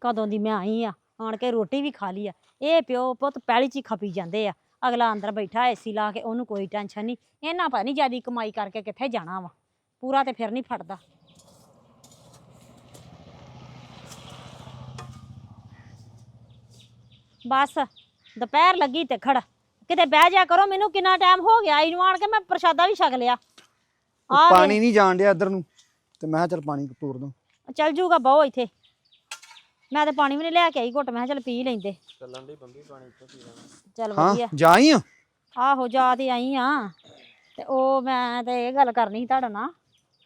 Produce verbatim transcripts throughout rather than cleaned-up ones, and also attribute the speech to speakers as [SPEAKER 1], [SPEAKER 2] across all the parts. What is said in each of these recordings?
[SPEAKER 1] कदों दी मैं आई आ आण के रोटी भी खा ली आ। ये प्यो पुत पैली च ही खपी जांदे आ। अगला अंदर बैठा एसी ला के ओनू कोई टेंशन नहीं। इन्हां पता नहीं ज्यादा कमाई करके कित्थे जाना वा पूरा ते फिर नहीं फटदा। बस दोपहर लगी ते खड़ किते बह जा करो। मैनू कितना टाइम हो गया आई आण के मैं प्रसादा भी छक लिया।
[SPEAKER 2] पानी नहीं जान दिया इधर नूं ते मैं चल पानी तोड़ दूं।
[SPEAKER 1] चल जूगा बहु इत्थे मैं तो पानी भी नहीं लैके आई घुट। मैं चल पी लेंदे
[SPEAKER 3] ਚੱਲਣ ਦੀ ਬੰਬੀ ਪਾਣੀ ਇੱਥੇ ਪੀ ਲੈਣਾ।
[SPEAKER 1] चल
[SPEAKER 2] हाँ
[SPEAKER 1] वधिया
[SPEAKER 2] जा ही आ
[SPEAKER 1] आहो जा ते आई हाँ ते ओ मैं ते ये गल करनी सी तुहाडे नाल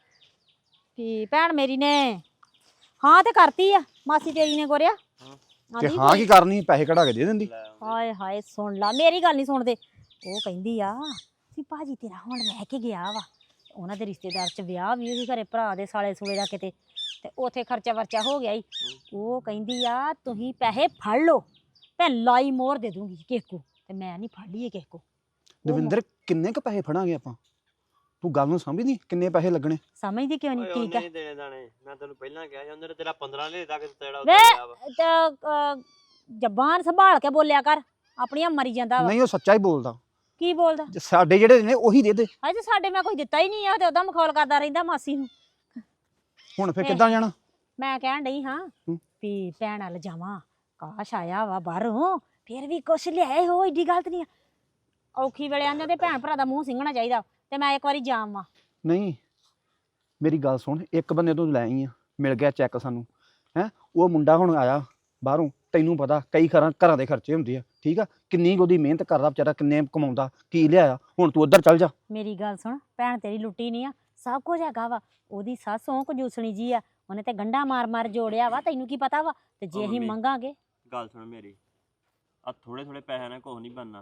[SPEAKER 1] कि भैन मेरी ने हाँ ते करती आ मासी तेरी ने गोरिया
[SPEAKER 2] ते हाँ की करनी पैसे कढ़ा के दे दिंदी।
[SPEAKER 1] हाय हाय सुन ला मेरी गल नहीं सुनदे। ਉਹ ਕਹਿੰਦੀ ਆ ਵੀ ਭਾਜੀ ਤੇਰਾ ਹੁਣ ਰਹਿ ਕੇ ਗਿਆ ਵਾ ਉਹਨਾਂ ਦੇ ਰਿਸ਼ਤੇਦਾਰ ਚ ਵਿਆਹ ਵੀ ਉਹਦੇ ਘਰੇ ਭਰਾ ਦੇ ਸਾਲੇ ਸੂਲੇ ਦਾ ਕਿਤੇ ਤੇ ਉਥੇ ਖਰਚਾ ਵਰਚਾ ਹੋ ਗਿਆ ਈ। ਉਹ ਕਹਿੰਦੀ ਆ ਤੁਸੀਂ ਪੈਸੇ ਫੜ ਲਓ ਭੈਣ ਲਾਈ ਮੋਹਰ ਦੇ ਦੂੰਗੀ ਕਿਸੇ ਕੋ ਤੇ ਮੈਂ ਨਹੀਂ ਫੜ ਲਈਏ ਕਿਸੇ ਕੋ।
[SPEAKER 2] ਦਵਿੰਦਰ ਕਿੰਨੇ ਕ ਪੈਸੇ ਫੜਾਂਗੇ ਆਪਾਂ ਤੂੰ ਗੱਲ ਨੂੰ ਸਮਝਦੀ ਕਿੰਨੇ ਪੈਸੇ ਲੱਗਣੇ
[SPEAKER 1] ਸਮਝਦੀ ਕਿਉਂ ਨਹੀਂ ਠੀਕ ਆ
[SPEAKER 3] ਨਹੀਂ ਦੇਣੇ ਦਾਣੇ ਮੈਂ ਤੈਨੂੰ ਪਹਿਲਾਂ ਕਿਹਾ ਸੀ ਉਹਨੇ ਤੇਰਾ ਪੰਦਰਾਂ ਲੈ ਤੱਕ ਤੇਰਾ
[SPEAKER 1] ਵੇ
[SPEAKER 3] ਉੱਤੇ ਗਿਆ ਵਾ।
[SPEAKER 1] ਤੇ ਜ਼ਬਾਨ ਸੰਭਾਲ ਕੇ ਬੋਲਿਆ ਕਰ ਆਪਣੀਆਂ ਮਰੀ ਜਾਂਦਾ ਵਾ।
[SPEAKER 2] ਨਹੀਂ ਉਹ ਸੱਚਾ ਹੀ ਬੋਲਦਾ
[SPEAKER 1] ਕੀ ਬੋਲਦਾ
[SPEAKER 2] ਜੇ ਸਾਡੇ ਜਿਹੜੇ ਨੇ ਉਹੀ ਦੇ ਦੇ।
[SPEAKER 1] ਅਜੇ ਸਾਡੇ ਮੈਂ ਕੋਈ ਦਿੱਤਾ ਹੀ ਨਹੀਂ ਆ ਤੇ ਉਹਦਾ ਮਖੌਲ ਕਰਦਾ ਰਹਿੰਦਾ ਮਾਸੀ ਨੂੰ।
[SPEAKER 2] ਹੁਣ ਫੇਰ ਕਿੱਦਾਂ ਜਾਣਾ
[SPEAKER 1] ਮੈਂ ਕਹਿਣ ਡਈ ਹਾਂ ਵੀ ਭੈਣ ਵੱਲ ਜਾਵਾਂ ਕਾਸ਼ ਆਇਆ ਵਾ ਬਾਹਰੋਂ ਫਿਰ ਵੀ ਕੁਛ ਲਿਆਏ ਹੋ ਏਡੀ ਗਲਤ ਨਹੀਂ ਆ। ਔਖੀ ਵੇਲੇ ਆਂਦੇ ਤੇ ਭੈਣ ਭਰਾ ਦਾ ਮੂੰਹ ਸਿੰਗਣਾ ਚਾਹੀਦਾ ਤੇ ਮੈਂ ਇੱਕ ਵਾਰੀ ਜਾਵਾਂ।
[SPEAKER 2] ਨਹੀਂ ਮੇਰੀ ਗੱਲ ਸੁਣ ਇੱਕ ਬੰਦੇ ਤੋਂ ਲੈ ਆਈ ਆ ਮਿਲ ਗਿਆ ਚੈੱਕ ਸਾਨੂੰ ਹੈ ਉਹ ਮੁੰਡਾ ਹੁਣ ਆਇਆ ਬਾਹਰੋਂ ਤੈਨੂੰ ਪਤਾ ਕਈ ਘਰਾਂ ਘਰਾਂ ਦੇ ਖਰਚੇ ਹੁੰਦੇ ਆ ਠੀਕ ਆ ਕਿੰਨੀ ਉਹਦੀ ਮਿਹਨਤ ਕਰਦਾ ਵਿਚਾਰਾ ਕਿੰਨੇ ਕਮਾਉਂਦਾ ਕੀ ਲਿਆਇਆ ਹੁਣ ਤੂੰ ਉੱਧਰ ਚੱਲ ਜਾ।
[SPEAKER 1] ਮੇਰੀ ਗੱਲ ਸੁਣ ਭੈਣ ਤੇਰੀ ਲੁੱਟੀ ਨਹੀਂ ਆ ਸਭ ਕੁਝ ਹੈਗਾ ਵਾ। ਉਹਦੀ ਸੱਸ ਉਹ ਕੰਜੂਸਣੀ ਜੀ ਆ ਉਹਨੇ ਤੇ ਗੰਢਾ ਮਾਰ ਮਾਰ ਜੋੜਿਆ ਵਾ ਤੈਨੂੰ ਕੀ ਪਤਾ ਵਾ ਤੇ ਜੇ ਅਸੀਂ ਮੰਗਾਂਗੇ।
[SPEAKER 3] ਗੱਲ ਸੁਣ ਮੇਰੀ ਆ ਥੋੜੇ ਥੋੜੇ ਪੈਸਿਆਂ ਨਾਲ ਕੁਝ ਨਹੀਂ ਬਣਨਾ।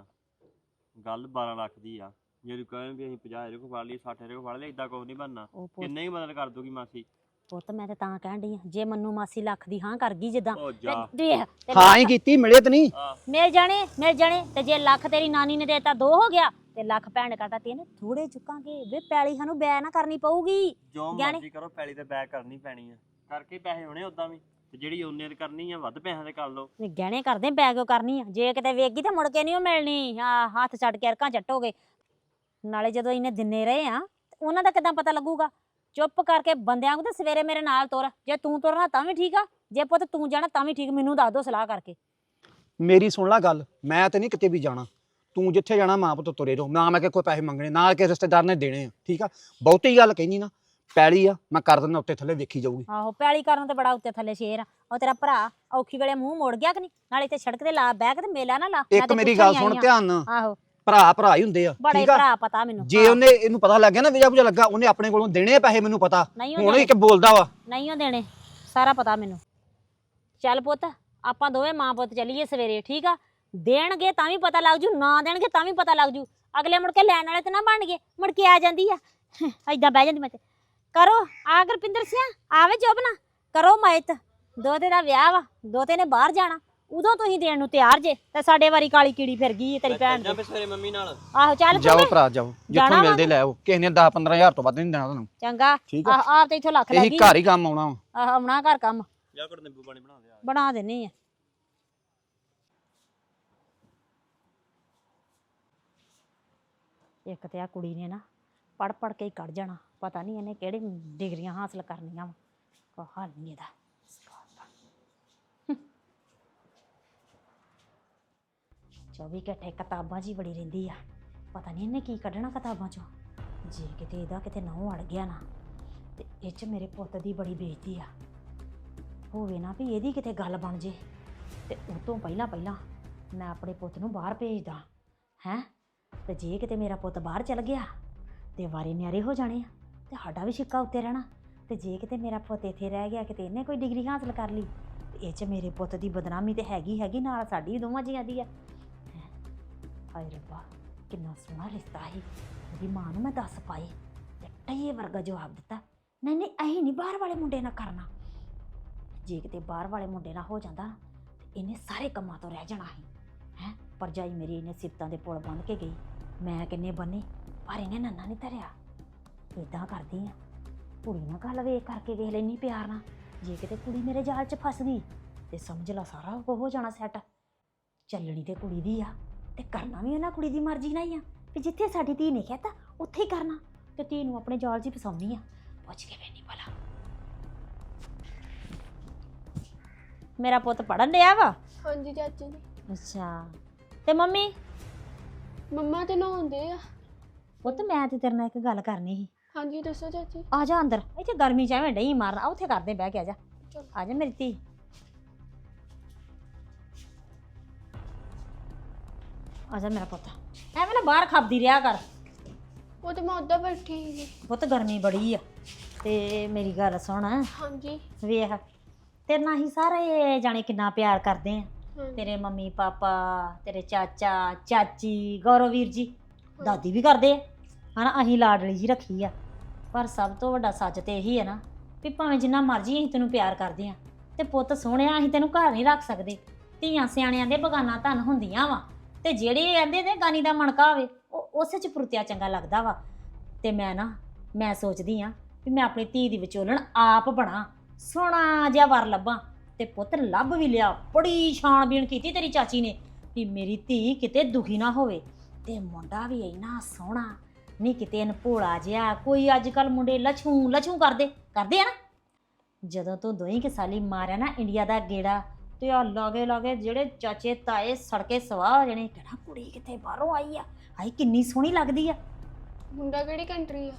[SPEAKER 3] ਗੱਲ ਬਾਰਾਂ ਲੱਖ ਦੀ ਆ ਜੇ ਤੂੰ ਕਹੇ ਵੀ ਅਸੀਂ ਪੰਜਾਹ ਹਜ਼ਾਰ ਕੋ ਫੜ ਲਈ ਸੱਠ ਹਜ਼ਾਰ ਕੋ ਫੜ ਲਈ ਇਦਾਂ ਕੁਝ ਨਹੀਂ ਬਣਨਾ। ਕਿੰਨੇ ਹੀ ਮਦਦ ਕਰ ਦੂਗੀ ਮਾਸੀ।
[SPEAKER 1] ਪੁੱਤ ਮੈਂ ਤੇ ਤਾਂ ਕਹਿਣ ਡਈ ਆ ਜੇ ਮੰਨੂ ਮਾਸੀ ਲੱਖ ਦੀ ਹਾਂ ਕਰ ਗਈ ਜਿੱਦਾਂ
[SPEAKER 3] ਉਹ ਜਾ
[SPEAKER 2] ਹਾਂ ਹੀ ਕੀਤੀ ਮਿਲੇ ਤੇ ਨਹੀਂ
[SPEAKER 1] ਮਿਲ ਜਾਣੇ ਮਿਲ ਜਾਣੇ ਤੇ ਜੇ ਲੱਖ ਤੇਰੀ ਨਾਨੀ ਨੇ ਦੇਤਾ ਦੋ ਹੋ ਗਿਆ ਤੇ ਲੱਖ ਭੈਣ ਕਰਤਾ ਤਿੰਨ ਥੋੜੇ ਚੁੱਕਾਂਗੇ ਵੇ ਪੈਲੀ ਸਾਨੂੰ ਬੈ ਨਾ ਕਰਨੀ ਪਊਗੀ।
[SPEAKER 3] ਜੋ ਮਰਜ਼ੀ ਕਰੋ ਪੈਲੀ ਤੇ ਬੈਕ ਕਰਨੀ ਪੈਣੀ ਆ ਕਰਕੇ ਪੈਸੇ ਹੋਣੇ ਉਦਾਂ ਵੀ ਤੇ ਜਿਹੜੀ ਉਹਨੇ ਕਰਨੀ ਆ ਵੱਧ ਪੈਸਿਆਂ ਦੇ ਕਰ ਲਓ।
[SPEAKER 1] ਗਹਿਣੇ ਕਰਦੇ ਬੈਗ ਕਰਨੀ ਆ ਜੇ ਕਿਤੇ ਵੇਗੀ ਤਾਂ ਮੁੜ ਕੇ ਨਹੀਂ ਉਹ ਮਿਲਣੀ। ਹਾਂ ਹੱਥ ਛੱਡ ਕੇ ਅਰਕਾਂ ਚੱਟੋਗੇ ਨਾਲੇ ਜਦੋਂ ਇਹਨੇ ਦਿਨੇ ਰਹੇ ਆ ਉਹਨਾਂ ਦਾ ਕਿੱਦਾਂ ਪਤਾ ਲੱਗੂਗਾ। ਚੁੱਪ ਕਰਕੇ ਬੰਦਿਆਂ ਨੂੰ ਤੇ ਸਵੇਰੇ ਮੇਰੇ ਨਾਲ ਤੁਰ ਜੇ ਤੂੰ ਤੁਰਨਾ ਤਾਂ ਵੀ ਠੀਕ ਆ ਜੇ ਪੁੱਤ ਤੂੰ ਜਾਣਾ ਤਾਂ ਵੀ ਠੀਕ ਮੈਨੂੰ ਦੱਸ ਦੋ ਸਲਾਹ ਕਰਕੇ।
[SPEAKER 2] ਮੇਰੀ ਸੁਣ ਲੈ ਗੱਲ ਮੈਂ ਤੇ ਨਹੀਂ ਕਿਤੇ ਵੀ ਜਾਣਾ ਤੂੰ ਜਿੱਥੇ ਜਾਣਾ ਮਾਂ ਪੁੱਤ ਤੁਰੇ ਰਹੋ ਨਾ ਮੈਂ ਕਿ ਕੋਈ ਪੈਸੇ ਮੰਗਣੇ ਨਾ ਕਿ ਰਿਸ਼ਤੇਦਾਰ ਨੇ ਦੇਣੇ ਆ ਠੀਕ ਆ। ਬਹੁਤੀ ਗੱਲ ਕਹਿੰਦੀ ਨਾ ਪੈਲੀ ਆ ਮੈਂ ਕਰ ਦਿੰਦਾ ਉੱਤੇ ਥੱਲੇ ਵੇਖੀ ਜਾਊਗੀ।
[SPEAKER 1] ਆਹੋ ਪੈਲੀ ਕਰਨ ਤੇ ਬੜਾ ਉੱਤੇ ਥੱਲੇ ਸ਼ੇਰ ਆ। ਉਹ ਤੇਰਾ ਭਰਾ ਔਖੀ ਵੇਲੇ ਮੂੰਹ ਮੋੜ ਗਿਆ ਕਿ ਨਹੀਂ ਨਾਲੇ ਤੇ ਸੜਕ ਤੇ ਲਾ ਬਹਿ ਕੇ ਤੇ ਮੇਲਾ ਨਾ ਲਾ।
[SPEAKER 2] ਇੱਕ ਮੇਰੀ ਗੱਲ ਸੁਣ ਧਿਆਨ ਨਾਲ
[SPEAKER 1] ਆਹੋ
[SPEAKER 2] ਭਰਾ ਭਰਾ ਹੀ ਹੁੰਦੇ ਆ
[SPEAKER 1] ਬੜੇ
[SPEAKER 2] ਠੀਕ ਆ।
[SPEAKER 1] ਭਰਾ ਪਤਾ ਮੈਨੂੰ
[SPEAKER 2] ਜੇ ਉਹਨੇ ਇਹਨੂੰ ਪਤਾ ਲੱਗ ਗਿਆ ਨਾ ਵਿਜਾ ਬੁਜਾ ਲੱਗਾ ਉਹਨੇ ਆਪਣੇ ਕੋਲੋਂ ਦੇਣੇ ਪੈਸੇ ਮੈਨੂੰ ਪਤਾ ਹੁਣ ਇਹ ਕਿ ਬੋਲਦਾ ਵਾ
[SPEAKER 1] ਨਹੀਂ ਉਹ ਦੇਣੇ ਸਾਰਾ ਪਤਾ ਮੈਨੂੰ। ਚੱਲ ਪੁੱਤ ਆਪਾਂ ਦੋਵੇਂ ਮਾਂ ਪੁੱਤ ਚੱਲੀਏ ਸਵੇਰੇ ਠੀਕ ਆ। ਦੇਣਗੇ ਤਾਂ ਵੀ ਪਤਾ ਲੱਗ ਜੂ ਨਾ ਦੇਣਗੇ ਤਾਂ ਵੀ ਪਤਾ ਲੱਗ ਜੂ। ਅਗਲੇ ਮੁੜ ਕੇ ਲੈਣ ਵਾਲੇ ਤੇ ਨਾ ਬਣ ਗਏ ਮੁੜ ਕੇ ਆ ਜਾਂਦੀ ਆ ਏਦਾਂ ਬਹਿ ਜਾਂਦੀ ਮੈਂ ਤੇ। ਕਰੋ ਆ ਗੁਰਪਿੰਦਰ ਸਿੰਘ ਆਵੇ ਜੋਬਨਾ ਕਰੋ ਮਾਇਤ ਦੋਤੇ ਦਾ ਵਿਆਹ ਵਾ ਦੋਤੇ ਨੇ ਬਾਹਰ ਜਾਣਾ ਉਦੋਂ ਤੁਸੀਂ ਦੇਣ ਨੂੰ ਤਿਆਰ ਜੇ ਤੇ ਸਾਡੇ ਵਾਰੀ ਕਾਲੀ ਕੀੜੀ ਫਿਰ ਗਈ ਤੇਰੀ ਭੈਣ
[SPEAKER 3] ਜਾਂ ਸਵੇਰੇ ਮੰਮੀ ਨਾਲ
[SPEAKER 1] ਆਹੋ ਚੱਲ
[SPEAKER 2] ਜਾਓ ਭਰਾ ਜਾਓ ਜਿੱਥੋਂ ਮਿਲਦੇ ਲੈ ਆਓ ਕਿਸੇ ਨੇ ਦਸ ਪੰਦਰਾਂ ਹਜ਼ਾਰ ਤੋਂ ਵੱਧ ਨਹੀਂ ਦੇਣਾ ਤੁਹਾਨੂੰ
[SPEAKER 1] ਚੰਗਾ
[SPEAKER 2] ਠੀਕ ਆ।
[SPEAKER 1] ਆਹ ਆਪ ਤੇ ਇੱਥੋਂ ਲੱਖ ਲੱਗ
[SPEAKER 2] ਇਹੀ
[SPEAKER 1] ਗਈ
[SPEAKER 2] ਘਰ ਹੀ ਕੰਮ ਆਉਣਾ ਵਾ।
[SPEAKER 1] ਆਹ ਆਉਣਾ ਘਰ ਕੰਮ
[SPEAKER 3] ਜਾਂ ਕੋਲ ਨਿੰਬੂ ਪਾਣੀ ਬਣਾ ਦੇ ਆ
[SPEAKER 1] ਬਣਾ ਦੇਣੀ ਆ। ਇੱਕ ਤੇ ਆ ਕੁੜੀ ਨੇ ਨਾ ਪੜ ਪੜ ਕੇ ਹੀ ਕੱਢ ਜਾਣਾ ਪਤਾ ਨਹੀਂ ਇਹਨੇ ਕਿਹੜੀ ਡਿਗਰੀਆਂ ਹਾਸਲ ਕਰਨੀਆਂ ਵਾ ਕੋ ਹਾਲ ਨਹੀਂ ਇਹਦਾ। ਚੌਵੀ ਘੰਟੇ ਕਿਤਾਬਾਂ 'ਚ ਹੀ ਬੜੀ ਰਹਿੰਦੀ ਆ ਪਤਾ ਨਹੀਂ ਇਹਨੇ ਕੀ ਕੱਢਣਾ ਕਿਤਾਬਾਂ 'ਚੋਂ। ਜੇ ਕਿਤੇ ਇਹਦਾ ਕਿਤੇ ਨਹੁੰ ਅੜ ਗਿਆ ਨਾ ਤੇ ਇਹ 'ਚ ਮੇਰੇ ਪੁੱਤ ਦੀ ਬੜੀ ਬੇਇੱਜ਼ਤੀ ਆ। ਹੋਵੇ ਨਾ ਵੀ ਇਹਦੀ ਕਿਤੇ ਗੱਲ ਬਣ ਜੇ ਤੇ ਉਹ ਤੋਂ ਪਹਿਲਾਂ ਪਹਿਲਾਂ ਮੈਂ ਆਪਣੇ ਪੁੱਤ ਨੂੰ ਬਾਹਰ ਭੇਜਦਾ ਹੈਂ ਤੇ ਜੇ ਕਿਤੇ ਮੇਰਾ ਪੁੱਤ ਬਾਹਰ ਚਲ ਗਿਆ ਤੇ ਵਾਰੇ ਨਿਆਰੇ ਹੋ ਜਾਣੇ ਆ ਤੇ ਸਾਡਾ ਵੀ ਛਿੱਕਾ ਉੱਤੇ ਰਹਿਣਾ। ਤੇ ਜੇ ਕਿਤੇ ਮੇਰਾ ਪੁੱਤ ਇੱਥੇ ਰਹਿ ਗਿਆ ਕਿਤੇ ਇਹਨੇ ਕੋਈ ਡਿਗਰੀ ਹਾਸਲ ਕਰ ਲਈ ਤੇ ਇਹ 'ਚ ਮੇਰੇ ਪੁੱਤ ਦੀ ਬਦਨਾਮੀ ਤੇ ਹੈਗੀ ਹੈਗੀ ਨਾਲ ਸਾਡੀ ਦੋਵਾਂ ਜੀਆਂ ਦੀ ਆ। ਹਾਏ ਰੱਬਾ ਕਿੰਨਾ ਸੋਹਣਾ ਰਿਸ਼ਤਾ ਸੀ ਉਹਦੀ ਮਾਂ ਨੂੰ ਮੈਂ ਦੱਸ ਪਾਈ ਤੇ ਟਈਏ ਵਰਗਾ ਜਵਾਬ ਦਿੱਤਾ ਨਹੀਂ ਨਹੀਂ ਅਸੀਂ ਨਹੀਂ ਬਾਹਰ ਵਾਲੇ ਮੁੰਡੇ ਨਾਲ ਕਰਨਾ। ਜੇ ਕਿਤੇ ਬਾਹਰ ਵਾਲੇ ਮੁੰਡੇ ਨਾਲ ਹੋ ਜਾਂਦਾ ਤੇ ਇਹਨੇ ਸਾਰੇ ਕੰਮਾਂ ਤੋਂ ਰਹਿ ਜਾਣਾ ਸੀ ਹੈਂ। ਭਰਜਾਈ ਮੇਰੀ ਇਹਨੇ ਸਿਫਤਾਂ ਦੇ ਪੁਲ ਬੰਨ੍ਹ ਕੇ ਗਈ ਮੈਂ ਕਿੰਨੇ ਬੰਨੇ ਪਰ ਇਹਨੇ ਨੰਨਾ ਨਹੀਂ ਧਰਿਆ। ਇੱਦਾਂ ਕਰਦੀ ਆ ਕੁੜੀ ਨਾਲ ਗੱਲ ਵੇਖ ਕਰਕੇ ਵੇਖ ਲੈਣੀ ਪਿਆਰ ਨਾਲ ਜੇ ਕਿਤੇ ਕੁੜੀ ਮੇਰੇ ਜਾਲ 'ਚ ਫਸ ਗਈ ਤੇ ਸਮਝ ਲਾ ਸਾਰਾ ਕੁਝ ਹੋ ਜਾਣਾ ਸੈੱਟ। ਚੱਲਣੀ ਤੇ ਕੁੜੀ ਦੀ ਆ ਤੇ ਕਰਨਾ ਵੀ ਉਹਨਾਂ ਕੁੜੀ ਦੀ ਮਰਜ਼ੀ ਨਾਲ ਹੀ ਆ ਵੀ ਜਿੱਥੇ ਸਾਡੀ ਧੀ ਨੇ ਕਹਿਤਾ ਉੱਥੇ ਹੀ ਕਰਨਾ, ਤੇ ਧੀ ਨੂੰ ਆਪਣੇ ਜਾਲ 'ਚ ਹੀ ਫਸਾਉਣੀ ਆ। ਪੁੱਛ ਕੇ ਵੇਨੀ ਭਲਾ। ਮੇਰਾ ਪੁੱਤ ਪੜਨ ਡਿਆ ਵਾ?
[SPEAKER 4] ਹਾਂਜੀ ਚਾਚੀ ਜੀ।
[SPEAKER 1] ਅੱਛਾ, ਤੇ ਮੰਮੀ?
[SPEAKER 4] ਮੰਮਾ ਤੇ ਨਹਾਉਂਦੇ ਆ।
[SPEAKER 1] ਪੁੱਤ ਮੈਂ ਤੇ ਤੇਰੇ ਨਾਲ ਇੱਕ ਗੱਲ ਕਰਨੀ ਸੀ।
[SPEAKER 4] ਹਾਂਜੀ ਦੱਸੋ ਚਾਚੀ।
[SPEAKER 1] ਆ ਜਾ ਅੰਦਰ, ਇੱਥੇ ਗਰਮੀ ਚ ਐਵੇਂ ਡਈ ਮਾਰਨਾ, ਉੱਥੇ ਕਰਦੇ ਬਹਿ ਕੇ। ਆ ਜਾ
[SPEAKER 4] ਚਲੋ।
[SPEAKER 1] ਆ ਜਾ ਮੇਰੀ ਧੀ। ਆ ਜਾ ਮੇਰਾ ਪੁੱਤ, ਐਵੇਂ ਨਾ ਬਾਹਰ ਖਾਬਦੀ ਰਿਹਾ ਕਰ।
[SPEAKER 4] ਉਹ ਤੇ ਮੈਂ ਉੱਦਾਂ ਬੈਠੀ ਸੀਗੀ।
[SPEAKER 1] ਪੁੱਤ ਗਰਮੀ ਬੜੀ ਆ, ਤੇ ਮੇਰੀ ਗੱਲ ਸੁਣ।
[SPEAKER 4] ਹਾਂਜੀ।
[SPEAKER 1] ਵੇਖ ਤੇਰੇ ਨਾਲ ਹੀ ਸਾਰੇ ਜਾਣੇ ਕਿੰਨਾ ਪਿਆਰ ਕਰਦੇ ਆ।
[SPEAKER 4] ਹਾਂਜੀ।
[SPEAKER 1] ਤੇਰੇ ਮੰਮੀ ਪਾਪਾ, ਤੇਰੇ ਚਾਚਾ ਚਾਚੀ, ਗੌਰਵ ਵੀਰ ਜੀ, ਦਾਦੀ ਵੀ ਕਰਦੇ ਆ ਹਨਾ। ਅਸੀਂ ਲਾਡਲੀ ਜੀ ਰੱਖੀ ਆ। ਪਰ ਸਭ ਤੋਂ ਵੱਡਾ ਸੱਚ ਤੇ ਇਹੀ ਹੈ ਨਾ ਵੀ ਭਾਵੇਂ ਜਿੰਨਾ ਮਰਜ਼ੀ ਅਸੀਂ ਤੈਨੂੰ ਪਿਆਰ ਕਰਦੇ ਆ, ਤੇ ਪੁੱਤ ਸੋਹਣਿਆ ਅਸੀਂ ਤੈਨੂੰ ਘਰ ਨਹੀਂ ਰੱਖ ਸਕਦੇ। ਧੀਆਂ ਸਿਆਣਿਆਂ ਦੇ ਬਗਾਨਾ ਧਨ ਹੁੰਦੀਆਂ ਵਾ, ਤੇ ਜਿਹੜੇ ਕਹਿੰਦੇ ਤੇ ਗਾਨੀ ਦਾ ਮਣਕਾ ਹੋਵੇ ਉਹ ਉਸੇ 'ਚ ਪੁਰਤਿਆ ਚੰਗਾ ਲੱਗਦਾ ਵਾ। ਤੇ ਮੈਂ ਨਾ ਮੈਂ ਸੋਚਦੀ ਆ ਵੀ ਮੈਂ ਆਪਣੀ ਧੀ ਦੀ ਵਿਚੋਲਣ ਆਪ ਬਣਾ, ਸੋਹਣਾ ਜਿਹਾ ਵਰ ਲੱਭਾਂ। ਤੇ ਪੁੱਤ ਲੱਭ ਵੀ ਲਿਆ। ਬੜੀ ਛਾਣਬੀਣ ਕੀਤੀ ਤੇਰੀ ਚਾਚੀ ਨੇ ਵੀ ਮੇਰੀ ਧੀ ਕਿਤੇ ਦੁਖੀ ਨਾ ਹੋਵੇ। ਤੇ ਮੁੰਡਾ ਵੀ ਇੰਨਾ ਸੋਹਣਾ ਨਹੀਂ ਕਿਤੇ ਅਨਭੋਲਾ ਜਿਹਾ। ਕੋਈ ਅੱਜ ਕੱਲ ਮੁੰਡੇ ਲਛੂ ਲਛੂ ਕਰਦੇ ਕਰਦੇ ਆ ਨਾ। ਜਦੋਂ ਤੂੰ ਦੋਈ ਕਿ ਸਾਲੀ ਮਾਰਿਆ ਨਾ ਇੰਡੀਆ ਦਾ ਗੇੜਾ, ਤੇ ਆ ਲਾਗੇ ਲਾਗੇ ਜਿਹੜੇ ਚਾਚੇ ਤਾਏ ਸੜਕੇ ਸਵਾਹ ਹੋ ਜਾਣੇ, ਕਿਹੜਾ ਕੁੜੀ ਕਿਤੇ ਬਾਹਰੋਂ ਆਈ ਆ, ਹਾਈ ਕਿੰਨੀ ਸੋਹਣੀ ਲੱਗਦੀ ਆ।
[SPEAKER 4] ਮੁੰਡਾ ਕਿਹੜੀ ਕੰਟਰੀ ਆ?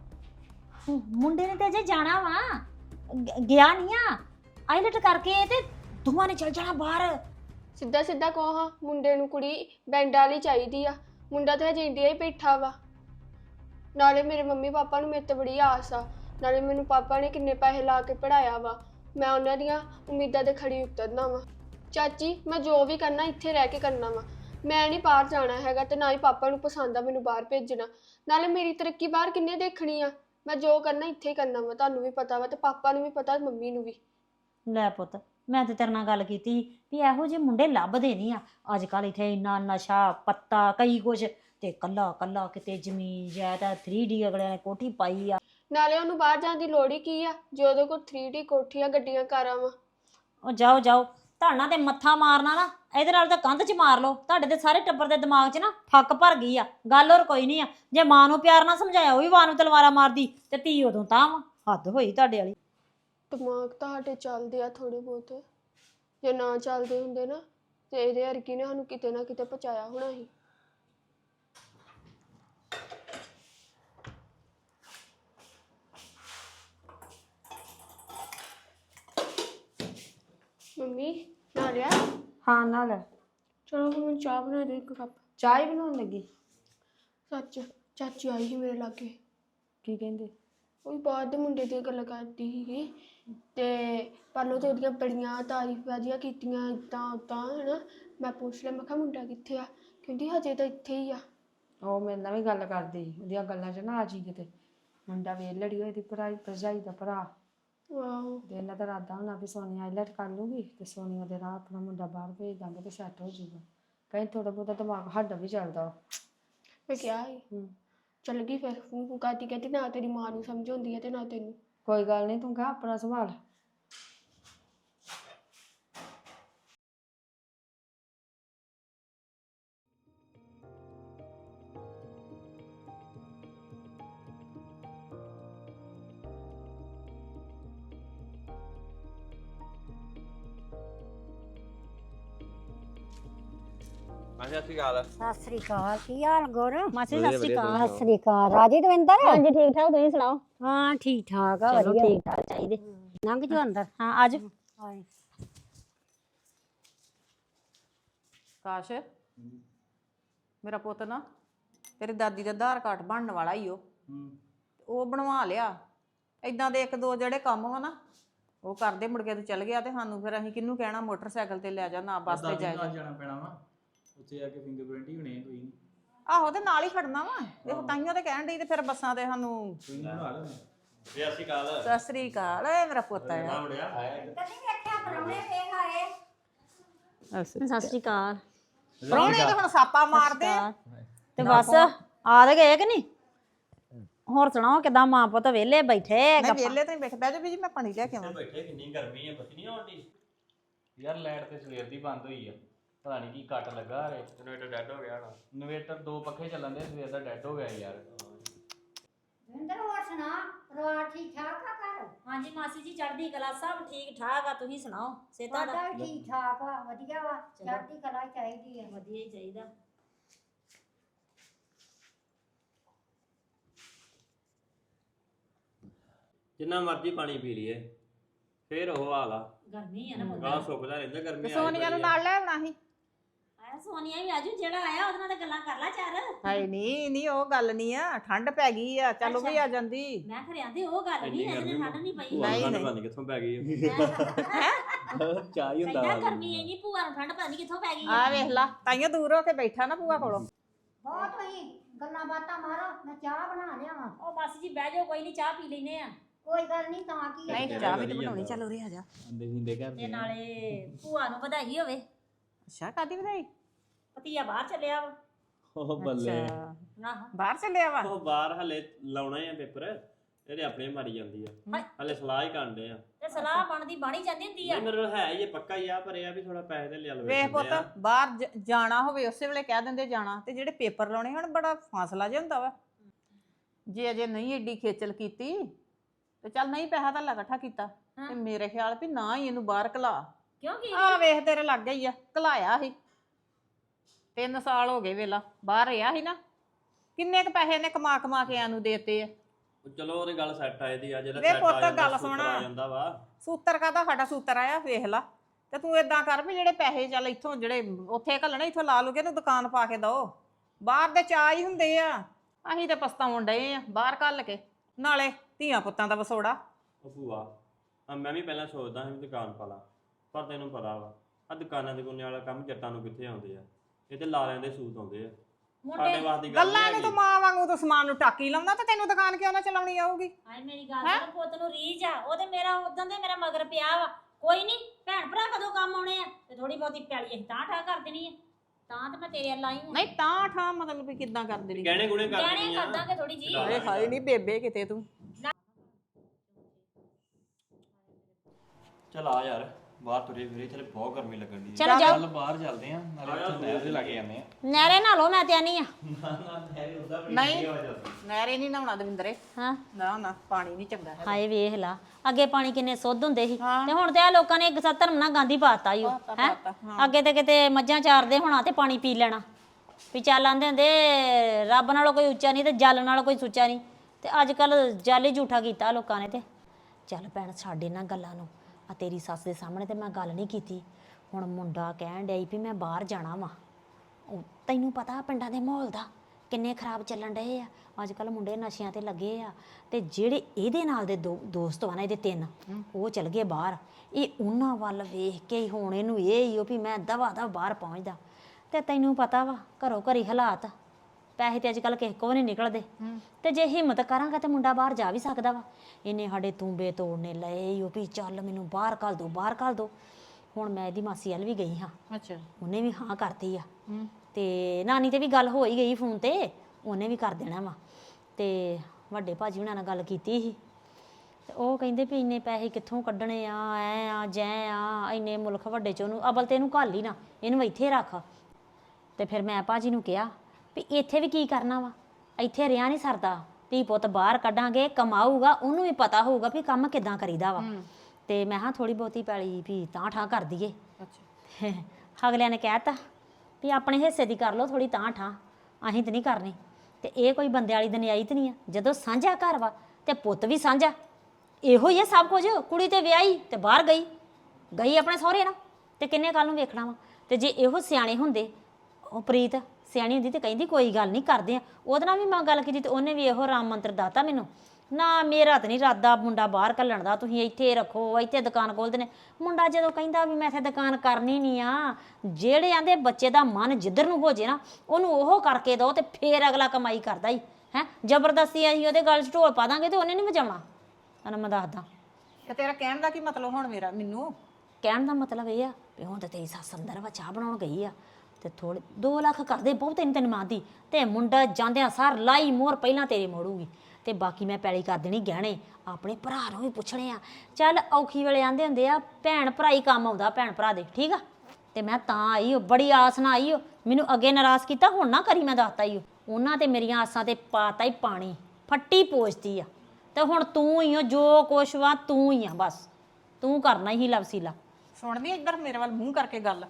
[SPEAKER 1] ਮੁੰਡੇ ਨੇ ਤੇ ਅਜੇ ਜਾਣਾ ਵਾ, ਗ- ਗਿਆ ਨਹੀਂ ਆ। ਆਈਲਟ ਕਰਕੇ ਤੇ ਦੋਵਾਂ ਨੇ ਚਲ ਜਾਣਾ ਬਾਹਰ।
[SPEAKER 4] ਸਿੱਧਾ ਸਿੱਧਾ ਕਹੋ ਹਾਂ, ਮੁੰਡੇ ਨੂੰ ਕੁੜੀ ਬੈਂਡ ਵਾਲੀ ਚਾਹੀਦੀ ਆ। ਮੁੰਡਾ ਤਾਂ ਹਜੇ ਇੰਡੀਆ ਹੀ ਬੈਠਾ ਵਾ। ਨਾਲੇ ਮੇਰੇ ਮੰਮੀ ਪਾਪਾ ਨੂੰ ਮੇਰੇ ਤੇ ਬੜੀ ਆਸ ਆ। ਨਾਲੇ ਮੈਨੂੰ ਪਾਪਾ ਨੇ ਕਿੰਨੇ ਪੈਸੇ ਲਾ ਕੇ ਪੜਾਇਆ ਵਾ। ਮੈਂ ਉਹਨਾਂ ਦੀਆਂ ਉਮੀਦਾਂ ਤੇ ਖੜੀ ਉਤਰਨਾ ਵਾ। ਚਾਚੀ ਮੈਂ ਜੋ ਵੀ ਕਰਨਾ ਇੱਥੇ ਰਹਿ ਕੇ ਕਰਨਾ ਵਾ। ਮੈਂ ਨਹੀਂ ਬਾਹਰ ਜਾਣਾ ਹੈਗਾ, ਤੇ ਨਾ ਹੀ ਪਾਪਾ ਨੂੰ ਪਸੰਦ ਆ ਮੈਨੂੰ ਬਾਹਰ ਭੇਜਣਾ। ਨਾਲੇ ਮੇਰੀ ਤਰੱਕੀ ਬਾਹਰ ਕਿੰਨੇ ਦੇਖਣੀ ਆ। ਮੈਂ ਜੋ ਕਰਨਾ ਇੱਥੇ ਹੀ ਕਰਨਾ ਵਾ। ਤੁਹਾਨੂੰ ਵੀ ਪਤਾ ਵਾ, ਤੇ ਪਾਪਾ ਨੂੰ ਵੀ ਪਤਾ, ਮੰਮੀ ਨੂੰ ਵੀ।
[SPEAKER 1] ਲੈ ਪੁੱਤ, ਮੈਂ ਤੇ ਤੇਰੇ ਨਾਲ ਗੱਲ ਕੀਤੀ ਵੀ ਇਹੋ ਜਿਹੇ ਮੁੰਡੇ ਲੱਭਦੇ ਨਹੀਂ ਆ ਅੱਜ ਕੱਲ੍ਹ। ਇੱਥੇ ਇੰਨਾ ਨਸ਼ਾ ਪੱਤਾ ਕਈ ਕੁਝ, ਤੇ ਕੱਲਾ ਕੱਲਾ ਕਿਤੇ ਜ਼ਮੀਨ ਜਾਇਦਾਦ ਥ੍ਰੀ ਡੀ ਅਗਲਿਆਂ ਨੇ ਕੋਠੀ ਪਾਈ ਆ।
[SPEAKER 4] ਨਾਲੇ ਉਹਨੂੰ ਬਾਹਰ ਜਾਣ ਦੀ ਲੋੜ ਹੀ ਕੀ ਆ ਜੇ ਉਹਦੇ ਕੋਲ ਥ੍ਰੀ ਡੀ ਕੋਠੀਆਂ ਗੱਡੀਆਂ ਕਾਰਾਂ ਵਾ।
[SPEAKER 1] ਉਹ ਜਾਓ ਜਾਓ, ਤੁਹਾਡਾ ਤੇ ਮੱਥਾ ਮਾਰਨਾ ਨਾ ਇਹਦੇ ਨਾਲ ਤਾਂ ਕੰਧ 'ਚ ਮਾਰ ਲਓ। ਤੁਹਾਡੇ ਤੇ ਸਾਰੇ ਟੱਬਰ ਦੇ ਦਿਮਾਗ 'ਚ ਨਾ ਫੱਕ ਭਰ ਗਈ ਆ। ਗੱਲ ਹੋਰ ਕੋਈ ਨਹੀਂ ਆ। ਜੇ ਮਾਂ ਨੂੰ ਪਿਆਰ ਨਾਲ ਸਮਝਾਇਆ ਉਹ ਵੀ ਮਾਂ ਨੂੰ ਤਲਵਾਰਾਂ ਮਾਰਦੀ, ਤੇ ਧੀ ਉਦੋਂ ਤਾਂ ਵਾ। ਹੱਦ ਹੋਈ ਤੁਹਾਡੇ ਵਾਲੀ।
[SPEAKER 4] ਦਿਮਾਗ ਤੁਹਾਡੇ ਚੱਲਦੇ ਆ ਥੋੜੇ ਬਹੁਤ। ਜੇ ਨਾ ਚੱਲਦੇ ਹੁੰਦੇ ਨਾ, ਤੇ ਇਹਦੇ ਵਰਗੀ ਨੇ ਸਾਨੂੰ ਕਿਤੇ ਨਾ ਕਿਤੇ ਪਹੁੰਚਾਇਆ ਹੋਣਾ ਸੀ। ਮੰਮੀ ਨਾ ਲਿਆ?
[SPEAKER 5] ਹਾਂ ਨਾਲ
[SPEAKER 4] ਚਲੋ ਫਿਰ ਮੈਨੂੰ ਚਾਹ ਬਣਾ ਦਿਓ ਇੱਕ ਕੱਪ।
[SPEAKER 5] ਚਾਹ ਹੀ ਬਣਾਉਣ ਲੱਗੀ।
[SPEAKER 4] ਸੱਚ ਚਾਚੀ ਆਈ ਸੀ ਮੇਰੇ ਲਾਗੇ।
[SPEAKER 5] ਕੀ ਕਹਿੰਦੇ?
[SPEAKER 4] ਉਹ ਵੀ ਬਾਹਰ ਦੇ ਮੁੰਡੇ ਦੀ ਗੱਲ ਕਰਦੀ ਸੀਗੀ, ਤੇ ਪਹਿਲਾਂ ਤਾਂ ਉਹਦੀਆਂ ਬੜੀਆਂ ਤਾਰੀਫਾਂ ਜਿਹੀਆਂ ਕੀਤੀਆਂ ਇੱਦਾਂ ਉੱਦਾਂ ਹਨਾ। ਮੈਂ ਪੁੱਛ ਲਿਆ, ਮੈਂ ਕਿਹਾ ਮੁੰਡਾ ਕਿੱਥੇ ਆ? ਕਹਿੰਦੀ ਹਜੇ ਤਾਂ ਇੱਥੇ ਹੀ ਆ।
[SPEAKER 5] ਉਹ ਮੇਰੇ ਨਾਲ ਵੀ ਗੱਲ ਕਰਦੀ ਸੀ, ਉਹਦੀਆਂ ਗੱਲਾਂ 'ਚ ਨਾ ਆ ਜੀ ਕਿਤੇ। ਮੁੰਡਾ ਵੇਲੜੀ ਹੋਈ ਦੀ ਭਰਾਈ ਭਰਜਾਈ ਦਾ ਭਰਾ,
[SPEAKER 4] ਆਹੋ।
[SPEAKER 5] ਤੇ ਇਹਨਾਂ ਦਾ ਇਰਾਦਾ ਹੋਣਾ ਵੀ ਸੋਨੀਆ ਆਈਲੈਟ ਕਰ ਲੂਗੀ, ਤੇ ਸੋਨੀਆ ਦੇ ਰਾਹ ਆਪਣਾ ਮੁੰਡਾ ਬਾਹਰ ਭੇਜ ਦਾਂਗੇ ਤੇ ਸੈੱਟ ਹੋ ਜਾਊਗਾ। ਕਹੀਂ ਥੋੜਾ ਬਹੁਤਾ ਦਿਮਾਗ ਸਾਡਾ ਵੀ ਚੱਲਦਾ।
[SPEAKER 4] ਮੈਂ ਕਿਹਾ ਸੀ।
[SPEAKER 5] ਹੂੰ,
[SPEAKER 4] ਚੱਲ ਗਈ ਫਿਰ ਫੂੰ ਫੂੰ ਕਰਦੀ, ਕਹਿੰਦੀ ਨਾ ਤੇਰੀ ਮਾਂ ਨੂੰ ਸਮਝ ਆਉਂਦੀ ਹੈ ਤੇ ਨਾ ਤੈਨੂੰ।
[SPEAKER 5] ਕੋਈ ਗੱਲ ਨਹੀਂ, ਤੂੰ ਕਹ ਆਪਣਾ ਸੰਭਾਲ।
[SPEAKER 3] ਮਾਸੀ ਸਤਿ ਸ਼੍ਰੀ ਅਕਾਲ।
[SPEAKER 6] ਸਤਿ ਸ੍ਰੀ ਅਕਾਲ। ਕੀ ਹਾਲ ਗੁਰ?
[SPEAKER 1] ਮਾਸੀ
[SPEAKER 3] ਵਧੀਆ,
[SPEAKER 1] ਸਤਿ ਸ਼੍ਰੀ
[SPEAKER 3] ਵਧੀਆ,
[SPEAKER 1] ਅਕਾਲ।
[SPEAKER 6] ਸਤਿ ਸ੍ਰੀ ਅਕਾਲ। ਰਾਜੀ ਦਵਿੰਦਰ?
[SPEAKER 1] ਹਾਂਜੀ ਠੀਕ ਠਾਕ, ਤੁਸੀਂ ਸੁਣਾਓ?
[SPEAKER 6] ਹਾਂ ਠੀਕ ਠਾਕ ਆ,
[SPEAKER 1] ਚਲੋ
[SPEAKER 6] ਵਧੀਆ।
[SPEAKER 1] ਠੀਕ ਠਾਕ ਚਾਹੀਦੇ।
[SPEAKER 6] ਲੰਘ ਜੋ ਅੰਦਰ।
[SPEAKER 1] ਹਾਂ ਆਜੋ।
[SPEAKER 6] ਹਾਏ।
[SPEAKER 7] ਕਾਸ਼ ਮੇਰਾ ਪੁੱਤ ਨਾ ਤੇਰੀ ਦਾਦੀ ਦਾ ਆਧਾਰ ਕਾਰਡ ਬਣਨ ਵਾਲਾ ਹੀ ਉਹ ਉਹ ਬਣਵਾ ਲਿਆ। ਇਦਾਂ ਦੇ ਇੱਕ ਦੋ ਜਿਹੜੇ ਕੰਮ ਵਾ ਨਾ ਉਹ ਕਰਦੇ, ਮੁੜ ਕੇ ਤੂੰ ਚੱਲ ਗਿਆ ਤੇ ਸਾਨੂੰ ਫਿਰ ਅਸੀਂ ਕਿਹਨੂੰ ਕਹਿਣਾ ਮੋਟਰਸਾਈਕਲ ਤੇ ਲੈ ਜਾ, ਨਾ ਬੱਸ ਤੇ ਜਾਇਆ ਜਾ।
[SPEAKER 8] ਜਾਣਾ ਪੈਣਾ ਵਾ ਉੱਥੇ ਆ ਕੇ ਫਿੰਗਰਪ੍ਰਿੰਟ ਹੀ ਹੋਣੇ ਆ, ਕੋਈ ਨਹੀਂ
[SPEAKER 7] ਆਹੋ ਤੇ ਨਾਲ ਹੀ ਖੜਨਾ ਵਾ ਇਹ ਤਾਈਓ ਤੇ ਕਹਿਣ ਡਈ, ਤੇ ਫਿਰ ਬੱਸਾਂ ਤੇ ਸਾਨੂੰ।
[SPEAKER 8] ਕੋਈ ਨਹੀਂ ਬਣਾ ਲੈਣਾ।
[SPEAKER 3] ਸਤਿ ਸ਼੍ਰੀ ਅਕਾਲ।
[SPEAKER 7] ਸਤਿ ਸ੍ਰੀ ਅਕਾਲ। ਏ ਮੇਰਾ ਪੁੱਤ ਆਇਆ।
[SPEAKER 3] ਮੁੜਿਆ
[SPEAKER 1] ਸਤਿ ਸ਼੍ਰੀ ਅਕਾਲ।
[SPEAKER 7] ਪ੍ਰਾਹੁਣੇ ਤੇ ਹੁਣ ਸਾਪਾ ਮਾਰਦੇ ਆ।
[SPEAKER 1] ਤੇ ਬਸ ਆ ਤੇ ਗਏ ਕਿ ਨਹੀਂ? ਹੋਰ ਸੁਣਾਓ ਕਿਦਾਂ? ਮਾਂ ਪੁੱਤ ਵਿਹਲੇ ਬੈਠੇ
[SPEAKER 7] ਨਹੀਂ
[SPEAKER 1] ਗੱਪਾਂ?
[SPEAKER 7] ਵਿਹਲੇ ਤੇ ਬੈਠ ਬਹਿ ਜਾ ਵੀ ਜੀ, ਮੈਂ ਪਾਣੀ ਲੈ ਕੇ ਆਵਾਂ।
[SPEAKER 3] ਬੈਠੇ ਕਿੰਨੀ ਗਰਮੀ ਆ, ਬੱਤੀ ਨਹੀਂ ਆਉਂਦੀ।
[SPEAKER 8] ਯਾਰ ਲਾਈਟ ਤੇ ਸਵੇਰ ਦੀ ਬੰਦ ਹੋਈ ਆ, ਪਤਾ ਨਹੀਂ ਕੀ ਕੱਟ ਲੱਗਾ ਰੇ।
[SPEAKER 3] ਜਨਰੇਟਰ ਡੈਡ ਹੋ ਗਿਆ ਨਾ।
[SPEAKER 8] ਇਨਵੇਟਰ ਦੋ ਪੱਖੇ ਚੱਲਣ ਦੇ, ਸਵੇਰ ਦਾ ਡੈਡ ਹੋ ਗਿਆ ਯਾਰ।
[SPEAKER 6] ਦਵਿੰਦਰ ਹੋਰ ਸੁਣਾ, ਪਰਿਵਾਰ ਠੀਕ ਠਾਕ ਆ ਘਰ?
[SPEAKER 1] ਹਾਂਜੀ ਮਾਸੀ ਜੀ ਚੜ੍ਹਦੀ ਕਲਾ, ਸਭ ਠੀਕ ਠਾਕ ਆ। ਤੁਸੀਂ ਸੁਣਾਓ ਸੇਤਾ
[SPEAKER 6] ਸਾਡਾ ਵੀ ਠੀਕ ਠਾਕ ਵਾ, ਵਧੀਆ ਵਾ,
[SPEAKER 1] ਚਲੋ।
[SPEAKER 6] ਚੜ੍ਹਦੀ ਕਲਾ ਹੀ ਚਾਹੀਦੀ ਆ।
[SPEAKER 1] ਵਧੀਆ ਹੀ ਚਾਹੀਦਾ।
[SPEAKER 3] ਜਿੰਨਾ ਮਰਜ਼ੀ ਪਾਣੀ ਪੀ ਲਈਏ ਫੇਰ ਉਹ ਹਾਲ ਆ।
[SPEAKER 1] ਗਰਮੀ ਆ ਨਾ
[SPEAKER 3] ਗਾਹ
[SPEAKER 1] ਬਹੁਤ।
[SPEAKER 3] ਸੁੱਕਦਾ ਰਹਿੰਦਾ,
[SPEAKER 7] ਤੇ
[SPEAKER 3] ਗਰਮੀ ਆ
[SPEAKER 7] ਸੋਨੀਆ ਨੂੰ ਨਾਲ ਲੈ ਆਉਣਾ ਸੀ।
[SPEAKER 1] ਆਇਆ ਸੋਨੀਆ ਵੀ ਆਜੂ, ਜਿਹੜਾ ਆਇਆ ਉਹਦੇ ਨਾਲ ਤਾਂ ਗੱਲਾਂ ਕਰ ਲਾ ਚਾਰ।
[SPEAKER 7] ਹਾਏ ਨਹੀਂ ਨਹੀਂ ਉਹ ਗੱਲ ਨਹੀਂ ਆ, ਠੰਡ ਪੈ ਗਈ ਆ, ਚੱਲ ਉਹ ਵੀ ਆ ਜਾਂਦੀ।
[SPEAKER 1] ਮੈਂ ਖਰੇ ਆਂਦੇ ਉਹ ਗੱਲ ਨਹੀਂ,
[SPEAKER 3] ਇੰਨੀ
[SPEAKER 1] ਇਹਦੇ
[SPEAKER 3] ਗਰਮੀ
[SPEAKER 1] ਠੰਡ ਨਹੀਂ ਪਈ।
[SPEAKER 7] ਨਹੀਂ,
[SPEAKER 3] ਨਹੀਂ
[SPEAKER 7] ਨਹੀਂ।
[SPEAKER 3] ਨਹੀਂ ਕਿੱਥੋਂ ਪੈ ਗਈ
[SPEAKER 1] ਮੈਂ
[SPEAKER 3] ਚਾਹ ਹੀ ਹੁੰਦਾ
[SPEAKER 1] ਕਹਿੰਦਾ
[SPEAKER 3] ਵਾ।
[SPEAKER 1] ਗਰਮੀ ਇੰਨੀ, ਭੂਆ ਨੂੰ ਠੰਡ ਪਤਾ ਨਹੀਂ ਕਿੱਥੋਂ ਪੈ ਗਈ
[SPEAKER 7] ਆ ਵੇਖ ਲਾ, ਤਾਈਓ ਦੂਰ ਹੋ ਕੇ ਬੈਠਾ ਨਾ ਭੂਆ ਕੋਲੋਂ।
[SPEAKER 6] ਬਹੁਤ ਹੋਈ ਗੱਲਾਂ ਬਾਤਾਂ ਮਾਰੋ, ਮੈਂ ਚਾਹ ਬਣਾ ਲਿਆਵਾਂ।
[SPEAKER 1] ਉਹ ਮਾਸੀ ਜੀ ਬਹਿ ਜਾਓ, ਕੋਈ ਨਹੀਂ ਚਾਹ ਪੀ ਲੈਨੇ ਆ।
[SPEAKER 6] ਕੋਈ ਗੱਲ ਨਹੀਂ, ਤਾਂ ਕੀ ਆ।
[SPEAKER 7] ਨਹੀਂ ਚਾਹ ਵੀ ਤੇ ਬਣਾਉਣੀ, ਚੱਲ ਉਰੇ ਆ ਜਾ।
[SPEAKER 8] ਆਂਦੇ ਹਿੰਦੇ ਘਰ
[SPEAKER 1] ਤੇ
[SPEAKER 8] ਦੇ
[SPEAKER 1] ਨਾਲੇ ਭੂਆ ਨੂੰ ਵਧਾਈ ਹੋਵੇ,
[SPEAKER 7] ਅੱਛਾ ਕਾਦੀ ਵਧਾਈ?
[SPEAKER 1] ਪਤੀਆ ਬਾਹਰ ਚੱਲਿਆ ਵਾ।
[SPEAKER 3] ਉਹ ਬੱਲੇ।
[SPEAKER 7] ਅੱਛਾ,
[SPEAKER 1] ਆਹੋ
[SPEAKER 7] ਬਾਹਰ ਚੱਲਿਆ ਵਾ।
[SPEAKER 3] ਉਹ ਬਾਹਰ ਹਲੇ ਲਾਉਣਾ ਹੀ ਆ ਪੇਪਰ, ਇਹਦੇ ਆਪਣੇ ਮਾਰੀ ਜਾਂਦੀ ਆ। ਹਲੇ ਸਲਾਹ ਹੀ ਕਰਦੇ ਆ।
[SPEAKER 1] ਤੇ ਸਲਾਹ ਬਣਦੀ ਬਾਣੀ ਜਾਂਦੀ ਹੁੰਦੀ ਆ।
[SPEAKER 3] ਨਹੀਂ ਮੇਰੇ ਨਾਲ ਹੈ ਹੀ ਇਹ ਪੱਕਾ ਹੀ ਆ, ਪਰ ਇਹ ਆ ਵੀ ਥੋੜਾ ਪੈਸੇ ਤੇ ਲਿਆ ਲਵੇ।
[SPEAKER 7] ਵੇਖ ਪੁੱਤ, ਬਾਹਰ ਜ- ਜਾਣਾ ਹੋਵੇ ਉਸੇ ਵੇਲੇ ਕਹਿ ਦਿੰਦੇ ਜਾਣਾ, ਤੇ ਜਿਹੜੇ ਪੇਪਰ ਲਾਉਣੇ ਹੁਣ ਬੜਾ ਫਾਸਲਾ ਜਿਹਾ ਹੁੰਦਾ ਵਾ। ਜੇ ਅਜੇ ਨਹੀਂ ਏਡੀ ਖੇਚਲ ਕੀਤੀ ਤੇ ਚੱਲ ਨਹੀਂ ਪੈਸਾ ਤਾਂ ਇਕੱਠਾ ਕੀਤਾ ਤੇ ਮੇਰੇ ਖਿਆਲ ਵੀ ਨਾ ਹੀ ਇਹਨੂੰ ਬਾਹਰ ਘਲਾ।
[SPEAKER 1] ਕਿਉਂ ਕੀ
[SPEAKER 7] ਆ ਵੇਖ ਤੇਰੇ ਲੱਗ ਗਈ ਆ, ਘਲਾਇਆ ਸੀ। ਤਿੰਨ ਸਾਲ ਹੋ ਗਏ ਵੇਲਾ ਬਾਹਰ ਰਿਹਾ ਸੀ ਨਾ, ਕਿੰਨੇ ਕ ਪੈਸੇ ਨੇ ਕਮਾ ਕਮਾ ਕੇ ਆਨੂੰ ਦੇਤੇ ਆ।
[SPEAKER 3] ਚਲੋ ਉਹਦੀ ਗੱਲ ਸੈੱਟ ਆਏ ਦੀ ਆ, ਜਿਹੜਾ
[SPEAKER 7] ਵੇ
[SPEAKER 3] ਸੈੱਟ
[SPEAKER 7] ਪੁੱਤ
[SPEAKER 3] ਆ ਜਾਂਦਾ
[SPEAKER 7] ਗੱਲ
[SPEAKER 3] ਸੂਤਰ
[SPEAKER 7] ਸੁਣਾ।
[SPEAKER 3] ਆ ਜਾਂਦਾ ਵਾ।
[SPEAKER 7] ਸੂਤਰ ਕਾਹਦਾ, ਸਾਡਾ ਸੂਤਰ ਆਇਆ ਵੇਖ ਲਾ। ਤੇ ਤੂੰ ਏਦਾਂ ਕਰ ਵੀ ਜਿਹੜੇ ਪੈਸੇ ਚੱਲ ਇੱਥੋਂ ਜਿਹੜੇ ਉੱਥੇ ਘੱਲਣੇ ਇੱਥੋਂ ਲਾ ਲੂਗੇ ਤੂੰ ਦੁਕਾਨ ਪਾ ਕੇ ਦੋ। ਬਾਹਰ ਦੇ ਚਾਅ ਹੀ ਹੁੰਦੇ ਆ, ਅਸੀਂ ਤੇ ਪਛਤਾਉਣ ਡਏ ਆ ਬਾਹਰ ਘੱਲ ਕੇ, ਨਾਲੇ ਧੀਆਂ ਪੁੱਤਾਂ ਦਾ ਵਸੋੜਾ।
[SPEAKER 3] ਉਹ ਭੂਆ ਆ ਮੈਂ ਵੀ ਪਹਿਲਾਂ ਸੋਚਦਾ ਸੀ ਵੀ ਦੁਕਾਨ ਪਾ ਲਾ, ਪਰ ਤੈਨੂੰ ਪਤਾ ਵਾ ਆ ਦੁਕਾਨਾਂ ਦੇ ਗੁੰਨੇ ਵਾਲਾ ਕੰਮ ਜੱਟਾਂ ਨੂੰ ਕਿੱਥੇ ਆਉਂਦੇ ਆ, ਇਹ ਤੇ ਲਾਲਿਆਂ ਦੇ ਸੂਤ ਆਉਂਦੇ ਆ। ਸਾਡੇ
[SPEAKER 1] ਮੁੰਡੇ
[SPEAKER 3] ਵਾਸਤੇ ਗੱਲ
[SPEAKER 7] ਗੱਲਾਂ
[SPEAKER 3] ਨਹੀਂ
[SPEAKER 7] ਨੂੰ ਤੂੰ
[SPEAKER 3] ਹੈਗੀ।
[SPEAKER 7] ਮਾਂ ਵਾਂਗੂ ਤੂੰ ਸਮਾਨ ਨੂੰ ਟਾਕੀ ਲਾਉਂਦਾ ਤੇ ਤੈਨੂੰ ਦੁਕਾਨ ਕਿਉਂ ਨਾ ਚਲਾਉਣੀ ਆਊਗੀ?
[SPEAKER 1] ਹਾਏ ਮੇਰੀ ਗੱਲ ਸੁਣ, ਪੁੱਤ ਨੂੰ ਰੀਝ ਆ, ਉਹ ਤੇ ਮੇਰਾ ਉਦੋਂ ਦੇ ਮੇਰਾ ਮਗਰ ਪਿਆ ਵਾ। ਕੋਈ ਨਹੀਂ, ਭੈਣ ਭਰਾ ਕਦੋਂ ਕੰਮ ਆਉਣੇ ਆ, ਤੇ ਥੋੜੀ ਬਹੁਤੀ ਪੈਲੀ ਅਸੀਂ ਤਾਂ ਠਾ ਕਰ ਦੇਣੀ ਆ। ਤਾਂ ਤੇ ਮੈਂ ਤੇਰੇ ਵੱਲ ਆਈ ਹਾਂ।
[SPEAKER 7] ਨਹੀਂ ਤਾਂ ਠਾ ਮਤਲਬ ਵੀ ਕਿੱਦਾਂ ਕਰ ਦੇਣੀ?
[SPEAKER 3] ਗਹਿਣੇ ਗੁਣੇ ਕਰ
[SPEAKER 1] ਗਹਿਣੇ
[SPEAKER 3] ਦੇਣੀ
[SPEAKER 1] ਕਰ
[SPEAKER 3] ਆ।
[SPEAKER 1] ਦਾਂਗੇ ਥੋੜੀ ਜੀ।
[SPEAKER 7] ਹਾਏ ਹਾਏ ਨਹੀਂ ਬੇਬੇ ਕਿਤੇ ਤੂੰ।
[SPEAKER 3] ਚਲ ਆ ਯਾਰ, ਬਾਹਰ ਤੁਰੇ ਫਿਰੇ, ਥਲੇ ਬਹੁਤ ਗਰਮੀ ਲੱਗਣ ਦੀ।
[SPEAKER 1] ਚਲੋ ਜਾਓ,
[SPEAKER 8] ਚੱਲ ਬਾਹਰ ਚੱਲਦੇ ਆ, ਨਾਲੇ ਉੱਥੇ ਨਹਿਰ ਦੇ ਲਾਗੇ ਜਾਂਦੇ ਆ।
[SPEAKER 1] ਨਹਿਰੇ ਨਾ ਲੋ, ਮੈਂ ਤੇ ਆਨੀ ਆ।
[SPEAKER 7] ਨਹੀਂ ਨਹਿਰੇ ਨਹੀਂ ਨਹਾਉਣਾ ਦਵਿੰਦਰੇ,
[SPEAKER 1] ਹਾਂ
[SPEAKER 7] ਨਾ ਨਾ ਪਾਣੀ ਨਹੀਂ ਚੰਗਾ ਹੈ।
[SPEAKER 1] ਹਾਏ ਵੇਖ ਲਾ, ਅੱਗੇ ਪਾਣੀ ਕਿੰਨੇ ਸੁੱਧ ਹੁੰਦੇ ਸੀ, ਤੇ ਹੁਣ ਤੇ ਆ ਲੋਕਾਂ ਨੇ ਇੱਕ ਸਾ ਧਰਮ ਨਾਲ ਗਾਂਧੀ ਪਾਤਾ ਈ ਉਹ ਹੈ। ਅੱਗੇ ਤੇ ਕਿਤੇ ਮੱਝਾਂ ਚਾਰਦੇ ਹੋਣਾ ਤੇ ਪਾਣੀ ਪੀ ਲੈਣਾ, ਵੀ ਚੱਲ ਆਂਦੇ ਹੁੰਦੇ ਰੱਬ ਨਾਲੋਂ ਕੋਈ ਉੱਚਾ ਨਹੀਂ ਤੇ ਜਲ ਨਾਲੋਂ ਕੋਈ ਸੁੱਚਾ ਨਹੀਂ। ਤੇ ਅੱਜ ਕੱਲ ਜਲ ਹੀ ਝੂਠਾ ਕੀਤਾ ਲੋਕਾਂ ਨੇ। ਤੇ ਚੱਲ ਭੈਣ ਸਾਡੇ ਨਾਲ ਗੱਲਾਂ ਨੂੰ, ਆ ਤੇਰੀ ਸੱਸ ਦੇ ਸਾਹਮਣੇ ਤੇ ਮੈਂ ਗੱਲ ਨਹੀਂ ਕੀਤੀ। ਹੁਣ ਮੁੰਡਾ ਕਹਿਣ ਡਿਆ ਈ ਵੀ ਮੈਂ ਬਾਹਰ ਜਾਣਾ ਵਾ। ਉਹ ਤੈਨੂੰ ਪਤਾ ਪਿੰਡਾਂ ਦੇ ਮਾਹੌਲ ਦਾ ਕਿੰਨੇ ਖਰਾਬ ਚੱਲਣ ਡਏ ਆ ਅੱਜ ਕੱਲ, ਮੁੰਡੇ ਨਸ਼ਿਆਂ ਤੇ ਲੱਗੇ ਆ। ਤੇ ਜਿਹੜੇ ਇਹਦੇ ਨਾਲ ਦੇ ਦੋ ਦੋਸਤ ਵਾ ਨਾ, ਇਹਦੇ ਤਿੰਨ, ਉਹ ਚਲ ਗਏ ਬਾਹਰ। ਇਹ ਉਹਨਾਂ ਵੱਲ ਵੇਖ ਕੇ ਹੀ ਹੁਣ ਇਹਨੂੰ ਇਹ ਹੀ ਉਹ ਵੀ ਮੈਂ ਦਵਾ ਦਵ ਬਾਹਰ ਪਹੁੰਚਦਾ। ਤੇ ਤੈਨੂੰ ਪਤਾ ਵਾ ਘਰੋਂ ਘਰੀ ਹਾਲਾਤ, ਪੈਸੇ ਤੇ ਅੱਜ ਕੱਲ ਕਿਸੇ ਕੋਲ ਨਹੀਂ ਨਿਕਲਦੇ। ਤੇ ਜੇ ਹਿੰਮਤ ਕਰਾਂਗਾ ਤੇ ਮੁੰਡਾ ਬਾਹਰ ਜਾ ਵੀ ਸਕਦਾ ਵਾ। ਇਹਨੇ ਸਾਡੇ ਤੂੰਬੇ ਤੋੜਨੇ ਲਏ ਉਹ ਵੀ ਚੱਲ ਮੈਨੂੰ ਬਾਹਰ ਘੱਲ ਦੋ, ਬਾਹਰ ਘੱਲ ਦੋ। ਹੁਣ ਮੈਂ ਇਹਦੀ ਮਾਸੀ ਵੱਲ ਵੀ ਗਈ ਹਾਂ,
[SPEAKER 7] ਅੱਛਾ
[SPEAKER 1] ਉਹਨੇ ਵੀ ਹਾਂ ਕਰਤੀ ਆ। ਤੇ ਨਾਨੀ ਤੇ ਵੀ ਗੱਲ ਹੋ ਹੀ ਗਈ ਫੋਨ ਤੇ, ਉਹਨੇ ਵੀ ਕਰ ਦੇਣਾ ਵਾ। ਤੇ ਵੱਡੇ ਭਾਜੀ ਹੁਣਾਂ ਨਾਲ ਗੱਲ ਕੀਤੀ ਸੀ, ਤੇ ਉਹ ਕਹਿੰਦੇ ਵੀ ਇੰਨੇ ਪੈਸੇ ਕਿੱਥੋਂ ਕੱਢਣੇ ਆ, ਐ ਆ ਜੈ ਆ, ਇੰਨੇ ਮੁਲਕ ਵੱਡੇ ਚ ਉਹਨੂੰ ਅਬਲ ਤੇ ਇਹਨੂੰ ਘੱਲ ਹੀ ਨਾ, ਇਹਨੂੰ ਇੱਥੇ ਰੱਖ। ਤੇ ਫਿਰ ਮੈਂ ਭਾਜੀ ਨੂੰ ਕਿਹਾ ਵੀ ਇੱਥੇ ਵੀ ਕੀ ਕਰਨਾ ਵਾ, ਇੱਥੇ ਰਿਹਾ ਨਹੀਂ ਸਰਦਾ, ਧੀ ਪੁੱਤ ਬਾਹਰ ਕੱਢਾਂਗੇ, ਕਮਾਊਗਾ, ਉਹਨੂੰ ਵੀ ਪਤਾ ਹੋਊਗਾ ਵੀ ਕੰਮ ਕਿੱਦਾਂ ਕਰੀਦਾ ਵਾ। ਤੇ ਮੈਂ ਹਾਂ ਥੋੜੀ ਬਹੁਤੀ ਪੈਲੀ ਵੀ ਤਾਂ ਠਾਂ ਕਰ ਦਈਏ। ਅਗਲਿਆਂ ਨੇ ਕਹਿਤਾ ਵੀ ਆਪਣੇ ਹਿੱਸੇ ਦੀ ਕਰ ਲਓ ਥੋੜੀ ਤਾਂ ਠਾਂ, ਅਸੀਂ ਤੇ ਨਹੀਂ ਕਰਨੀ। ਤੇ ਇਹ ਕੋਈ ਬੰਦੇ ਵਾਲੀ ਦੁਨਿਆਈ ਤੇ ਨਹੀਂ ਆ, ਜਦੋਂ ਸਾਂਝਾ ਘਰ ਵਾ ਤੇ ਪੁੱਤ ਵੀ ਸਾਂਝਾ, ਇਹੋ ਹੀ ਆ ਸਭ ਕੁਝ। ਕੁੜੀ ਤੇ ਵਿਆਹੀ ਤੇ ਬਾਹਰ ਗਈ ਗਈ ਆਪਣੇ ਸਹੁਰੇ ਨਾਲ, ਤੇ ਕਿੰਨੇ ਕੱਲ ਨੂੰ ਵੇਖਣਾ ਵਾ। ਤੇ ਜੇ ਇਹੋ ਸਿਆਣੇ ਹੁੰਦੇ, ਉਹ ਪ੍ਰੀਤ ਸਿਆਣੀ ਹੁੰਦੀ ਤੇ ਕਹਿੰਦੀ ਕੋਈ ਗੱਲ ਨਹੀਂ ਕਰਦੇ ਆ। ਉਹਦੇ ਨਾਲ ਵੀ ਮੈਂ ਗੱਲ ਕੀਤੀ ਤੇ ਉਹਨੇ ਵੀ ਇਹੋ ਰਾਮ ਮੰਤਰ ਦਾਤਾ ਮੈਨੂੰ, ਨਾ ਮੇਰਾ ਤਾਂ ਨਹੀਂ ਇਰਾਦਾ ਮੁੰਡਾ ਬਾਹਰ ਘੱਲਣ ਦਾ, ਤੁਸੀਂ ਇੱਥੇ ਰੱਖੋ, ਇੱਥੇ ਦੁਕਾਨ ਖੋਲ੍ਹਦੇ ਨੇ। ਮੁੰਡਾ ਜਦੋਂ ਕਹਿੰਦਾ ਵੀ ਮੈਂ ਇੱਥੇ ਦੁਕਾਨ ਕਰਨੀ ਨਹੀਂ ਆ, ਜਿਹੜੇ ਆਂਦੇ ਬੱਚੇ ਦਾ ਮਨ ਜਿੱਧਰ ਨੂੰ ਹੋ ਜੇ ਨਾ ਉਹਨੂੰ ਉਹ ਕਰਕੇ ਦਿਓ, ਤੇ ਫੇਰ ਅਗਲਾ ਕਮਾਈ ਕਰਦਾ ਹੀ ਹੈ। ਜ਼ਬਰਦਸਤੀ ਅਸੀਂ ਉਹਦੇ ਗਲ 'ਚ ਢੋਲ ਪਾ ਦਾਂਗੇ ਤੇ ਉਹਨੇ ਨਹੀਂ ਵਜਾਉਣਾ। ਤੁਹਾਨੂੰ ਮੈਂ ਦੱਸਦਾ।
[SPEAKER 7] ਤੇ ਤੇਰਾ ਕਹਿਣ ਦਾ ਕੀ ਮਤਲਬ ਹੁਣ ਮੇਰਾ? ਮੈਨੂੰ
[SPEAKER 1] ਕਹਿਣ ਦਾ ਮਤਲਬ ਇਹ ਆ ਵੀ ਹੁਣ ਤਾਂ ਤੇਰੀ ਸੱਸ ਅੰਦਰ ਵਾ, ਚਾਹ ਬਣਾਉਣ ਗਈ ਆ, ਤੇ ਥੋੜੇ ਦੋ ਲੱਖ ਕਰਦੇ ਬਹੁਤ ਤੈਨੂੰ ਤੈਨੂੰ ਮਾਂਦੀ, ਤੇ ਮੁੰਡਾ ਜਾਂਦਿਆਂ ਸਾਰ ਲਾਈ ਮੋਹਰ ਪਹਿਲਾਂ ਤੇਰੀ ਮੋੜੂਗੀ। ਤੇ ਬਾਕੀ ਮੈਂ ਪੈਲੀ ਕਰ ਦੇਣੀ ਗਹਿਣੇ ਆਪਣੇ ਭਰਾ ਨੂੰ ਵੀ ਪੁੱਛਣੇ ਆ। ਚੱਲ ਔਖੀ ਵੇਲੇ ਆਂਦੇ ਹੁੰਦੇ ਆ ਭੈਣ ਭਰਾ ਹੀ ਕੰਮ ਆਉਂਦਾ ਭੈਣ ਭਰਾ ਦੇ, ਠੀਕ ਆ। ਤੇ ਮੈਂ ਤਾਂ ਆਈ ਓ, ਬੜੀ ਆਸ ਨਾਲ ਆਈ ਓ। ਮੈਨੂੰ ਅੱਗੇ ਨਾਰਾਜ਼ ਕੀਤਾ, ਹੁਣ ਨਾ ਕਰੀ, ਮੈਂ ਦੱਸਤਾ ਈ ਓ। ਉਹਨਾਂ ਤੇ ਮੇਰੀਆਂ ਆਸਾਂ ਤੇ ਪਾਤਾ ਹੀ ਪਾਣੀ, ਫੱਟੀ ਪੋਚਦੀ ਆ। ਤੇ ਹੁਣ ਤੂੰ ਹੀ ਓ, ਜੋ ਕੁਛ ਵਾ ਤੂੰ ਹੀ ਆ, ਬਸ ਤੂੰ ਕਰਨਾ ਹੀ ਲਵਸੀਲਾ।
[SPEAKER 7] ਸੁਣਦੀ ਇੱਧਰ ਮੇਰੇ ਵੱਲ ਮੂੰਹ ਕਰਕੇ ਗੱਲ,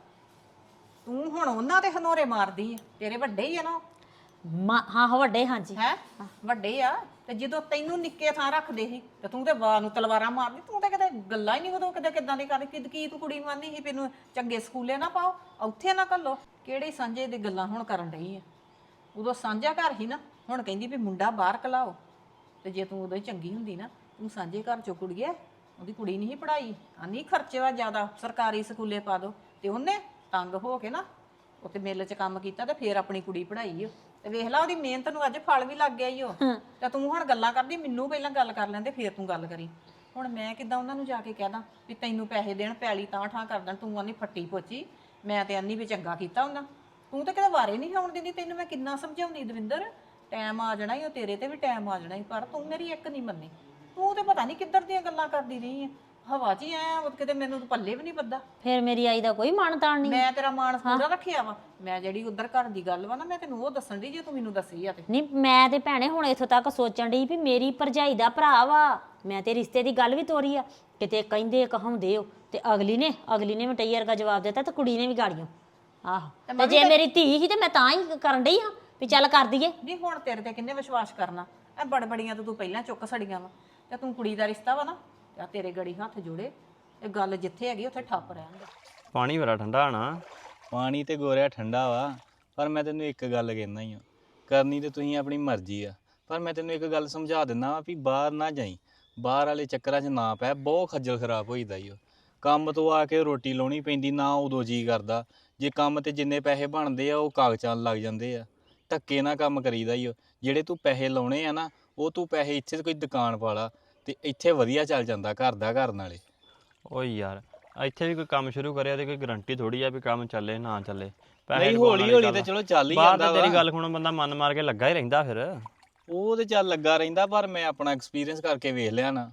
[SPEAKER 7] ਤੂੰ ਹੁਣ ਉਹਨਾਂ ਤੇ ਹਨੋਰੇ ਮਾਰਦੀ ਆ, ਤੇਰੇ ਵੱਡੇ ਹੀ ਆ ਨਾ
[SPEAKER 1] ਮਾ ਹਾਂ ਹਾਂ ਵੱਡੇ, ਹਾਂਜੀ
[SPEAKER 7] ਹੈ ਵੱਡੇ ਆ। ਤੇ ਜਦੋਂ ਤੈਨੂੰ ਨਿੱਕੇ ਥਾਂ ਰੱਖਦੇ ਸੀ ਤੇ ਤੂੰ ਤੇ ਵਾਹ ਨੂੰ ਤਲਵਾਰਾਂ ਮਾਰਦੀ, ਤੂੰ ਤਾਂ ਕਦੇ ਗੱਲਾਂ ਹੀ ਨਹੀਂ ਉਦੋਂ ਕਦੇ ਕਿਦਾਂ ਦੀ ਕਰਦੀ। ਕਿ ਕੀ ਤੂੰ ਕੁੜੀ ਨੂੰ ਆਂਦੀ ਸੀ ਮੈਨੂੰ ਚੰਗੇ ਸਕੂਲੇ ਨਾ ਪਾਓ, ਉੱਥੇ ਨਾ ਘੱਲੋ। ਕਿਹੜੇ ਸਾਂਝੇ ਦੀ ਗੱਲਾਂ ਹੁਣ ਕਰਨ ਡਈ ਆ? ਉਦੋਂ ਸਾਂਝਾ ਘਰ ਹੀ ਨਾ, ਹੁਣ ਕਹਿੰਦੀ ਵੀ ਮੁੰਡਾ ਬਾਹਰ ਕਲਾਓ। ਤੇ ਜੇ ਤੂੰ ਉਦੋਂ ਹੀ ਚੰਗੀ ਹੁੰਦੀ ਨਾ, ਤੂੰ ਸਾਂਝੇ ਘਰ ਚੋਂ ਕੁੜੀਏ ਉਹਦੀ ਕੁੜੀ ਨਹੀਂ ਪੜਾਈ, ਆਨੀ ਖਰਚੇ ਵਾ ਜ਼ਿਆਦਾ, ਸਰਕਾਰੀ ਸਕੂਲੇ ਪਾ ਦੋ। ਤੇ ਉਹਨੇ ਤੰਗ ਹੋ ਕੇ ਨਾ ਉੱਥੇ ਮਿੱਲ 'ਚ ਕੰਮ ਕੀਤਾ ਤੇ ਫੇਰ ਆਪਣੀ ਕੁੜੀ ਪੜਾਈ ਓ। ਤੇ ਵੇਖ ਲਾ ਉਹਦੀ ਮਿਹਨਤ ਨੂੰ ਅੱਜ ਫਲ ਵੀ ਲੱਗ ਗਿਆ ਈ ਓ। ਤੇ ਤੂੰ ਹੁਣ ਗੱਲਾਂ ਕਰਦੀ, ਮੈਨੂੰ ਪਹਿਲਾਂ ਗੱਲ ਕਰ ਲੈਂਦੇ ਫੇਰ ਤੂੰ ਗੱਲ ਕਰੀ। ਹੁਣ ਮੈਂ ਕਿੱਦਾਂ ਉਹਨਾਂ ਨੂੰ ਜਾ ਕੇ ਕਹਿ ਦਾਂ ਵੀ ਤੈਨੂੰ ਪੈਸੇ ਦੇਣ, ਪੈਲੀ ਤਾਂ ਠਾਂ ਕਰ ਦੇਣ, ਤੂੰ ਆਨੀ ਫੱਟੀ ਪੋਚੀ। ਮੈਂ ਤੇ ਆਨੀ ਵੀ ਚੰਗਾ ਕੀਤਾ ਉਹਨਾਂ, ਤੂੰ ਤਾਂ ਕਿਤੇ ਵਾਰੇ ਨਹੀਂ ਆਉਣ ਦਿੰਦੀ। ਤੈਨੂੰ ਮੈਂ ਕਿੰਨਾ ਸਮਝਾਉਂਦੀ ਦਵਿੰਦਰ, ਟਾਈਮ ਆ ਜਾਣਾ ਈ, ਉਹ ਤੇਰੇ ਤੇ ਵੀ ਟਾਈਮ ਆ ਜਾਣਾ ਈ, ਪਰ ਤੂੰ ਮੇਰੀ ਇੱਕ ਨਹੀਂ ਮੰਨੀ। ਤੂੰ ਤੇ ਪਤਾ ਨਹੀਂ ਕਿੱਧਰ ਦੀਆਂ ਗੱਲਾਂ ਕਰਦੀ ਰਹੀ ਆ, ਹਵਾ 'ਚ ਹੀ ਐ ਕਿਤੇ, ਮੈਨੂੰ ਤਾਂ ਪੱਲੇ ਵੀ ਨਹੀਂ ਬੱਦਾ।
[SPEAKER 1] ਫਿਰ ਮੇਰੀ ਆਈ ਦਾ ਕੋਈ ਮਾਣ ਤਾਣ ਨਹੀਂ।
[SPEAKER 7] ਮੈਂ ਤੇਰਾ ਮਾਣ ਪੂਰਾ ਰੱਖਿਆ ਵਾ। ਮੈਂ ਜਿਹੜੀ ਉਧਰ ਘਰ ਦੀ ਗੱਲ ਵਾ ਨਾ, ਮੈਂ ਤੈਨੂੰ ਉਹ ਦੱਸਣ ਦੀ ਜੇ ਤੂੰ ਮੈਨੂੰ ਦੱਸੀ ਆ ਤੇ।
[SPEAKER 1] ਨਹੀਂ ਮੈਂ ਤੇ ਭੈਣੇ ਹੁਣ ਇੱਥੋਂ ਤੱਕ ਸੋਚਣ ਡਈ ਵੀ ਮੇਰੀ ਭਰਜਾਈ ਦਾ ਭਰਾ ਵਾ, ਮੈਂ ਤੇ ਰਿਸ਼ਤੇ ਦੀ ਗੱਲ ਵੀ ਤੋਰੀ ਆ। ਕਿਤੇ ਕਹਿੰਦੇ ਕਹਾਉਂਦੇ ਹੋ ਤੇ ਅਗਲੀ ਨੇ ਅਗਲੀ ਨੇ ਮਟਈ ਵਰਗਾ ਜਵਾਬ ਦਿੱਤਾ ਤੇ ਕੁੜੀ ਨੇ ਵੀ ਗਾੜੀਆਂ। ਆਹੋ ਤੇ ਜੇ ਮੇਰੀ ਧੀ ਸੀ ਤੇ ਮੈਂ ਤਾਂ ਹੀ ਕਰਨ ਡਈ ਹਾਂ ਵੀ ਚੱਲ ਕਰ ਦਈਏ।
[SPEAKER 7] ਨਹੀਂ ਹੁਣ ਤੇਰੇ ਤੇ ਕਿੰਨੇ ਵਿਸ਼ਵਾਸ ਕਰਨਾ? ਐ ਬੜਬੜੀਆਂ ਤੇ ਤੂੰ ਪਹਿਲਾਂ ਚੁੱਕ ਸੜੀਆਂ ਵਾ, ਤੇ ਤੂੰ ਕੁੜੀ ਦਾ ਰਿਸ਼ਤਾ ਵਾ ਨਾ, ਤੇ ਤੇਰੇ ਗੜੀ ਹੱਥ ਜੋੜੇ। ਇਹ ਗੱਲ ਜਿੱਥੇ ਹੈਗੀ ਉੱਥੇ ਠੱਪ ਰਹਿਣ।
[SPEAKER 3] ਪਾਣੀ ਬੜਾ ਠੰਡਾ ਨਾ।
[SPEAKER 8] ਪਾਣੀ ਤੇ ਗੋਰਿਆ ਠੰਡਾ ਵਾ, ਪਰ ਮੈਂ ਤੈਨੂੰ ਇੱਕ ਗੱਲ ਕਹਿੰਦਾ ਹੀ ਆ, ਕਰਨੀ ਤੇ ਤੁਸੀਂ ਆਪਣੀ ਮਰਜ਼ੀ ਆ, ਪਰ ਮੈਂ ਤੈਨੂੰ ਇੱਕ ਗੱਲ ਸਮਝਾ ਦਿੰਦਾ ਵਾ ਵੀ ਬਾਹਰ ਨਾ ਜਾਈ, ਬਾਹਰ ਵਾਲੇ ਚੱਕਰਾਂ 'ਚ ਨਾ ਪੈ, ਬਹੁਤ ਖੱਜਲ ਖਰਾਬ ਹੋਈਦਾ ਈ ਓ। ਕੰਮ ਤੋਂ ਆ ਕੇ ਰੋਟੀ ਲਾਉਣੀ ਪੈਂਦੀ, ਨਾ ਉਦੋਂ ਜੀ ਕਰਦਾ। ਜੇ ਕੰਮ ਤੇ ਜਿੰਨੇ ਪੈਸੇ ਬਣਦੇ ਆ ਉਹ ਕਾਗਜ਼ਾਂ ਲੱਗ ਜਾਂਦੇ ਆ, ਧੱਕੇ ਨਾਲ ਕੰਮ ਕਰੀਦਾ ਈ ਓ। ਜਿਹੜੇ ਤੂੰ ਪੈਸੇ ਲਾਉਣੇ ਆ ਨਾ, ਉਹ ਤੂੰ ਪੈਸੇ ਇੱਥੇ ਕੋਈ ਦੁਕਾਨ ਪਾ ਲਾ ਤੇ ਇੱਥੇ ਵਧੀਆ ਚੱਲ ਜਾਂਦਾ ਘਰ ਦਾ ਘਰ ਨਾਲੇ।
[SPEAKER 3] ਓਏ ਯਾਰ ਇੱਥੇ ਵੀ ਕੋਈ ਕੰਮ ਸ਼ੁਰੂ ਕਰਿਆ ਤੇ ਕੋਈ ਗਰੰਟੀ ਥੋੜੀ ਆ ਵੀ ਕੰਮ ਚੱਲੇ ਨਾ ਚੱਲੇ।
[SPEAKER 8] ਨਹੀਂ ਹੌਲੀ ਹੌਲੀ ਤੇ ਚਲੋ ਚੱਲ ਹੀ ਜਾਂਦਾ ਵਾ।
[SPEAKER 3] ਤੇਰੀ ਗੱਲ ਹੁਣ ਬੰਦਾ ਮਨ ਮਾਰ ਕੇ ਲੱਗਾ ਹੀ ਰਹਿੰਦਾ ਫਿਰ।
[SPEAKER 8] ਉਹ ਤੇ ਚੱਲ ਲੱਗਾ ਰਹਿੰਦਾ, ਪਰ ਮੈਂ ਆਪਣਾ ਐਕਸਪੀਰੀਅੰਸ ਕਰਕੇ ਵੇਖ ਲਿਆ ਨਾ।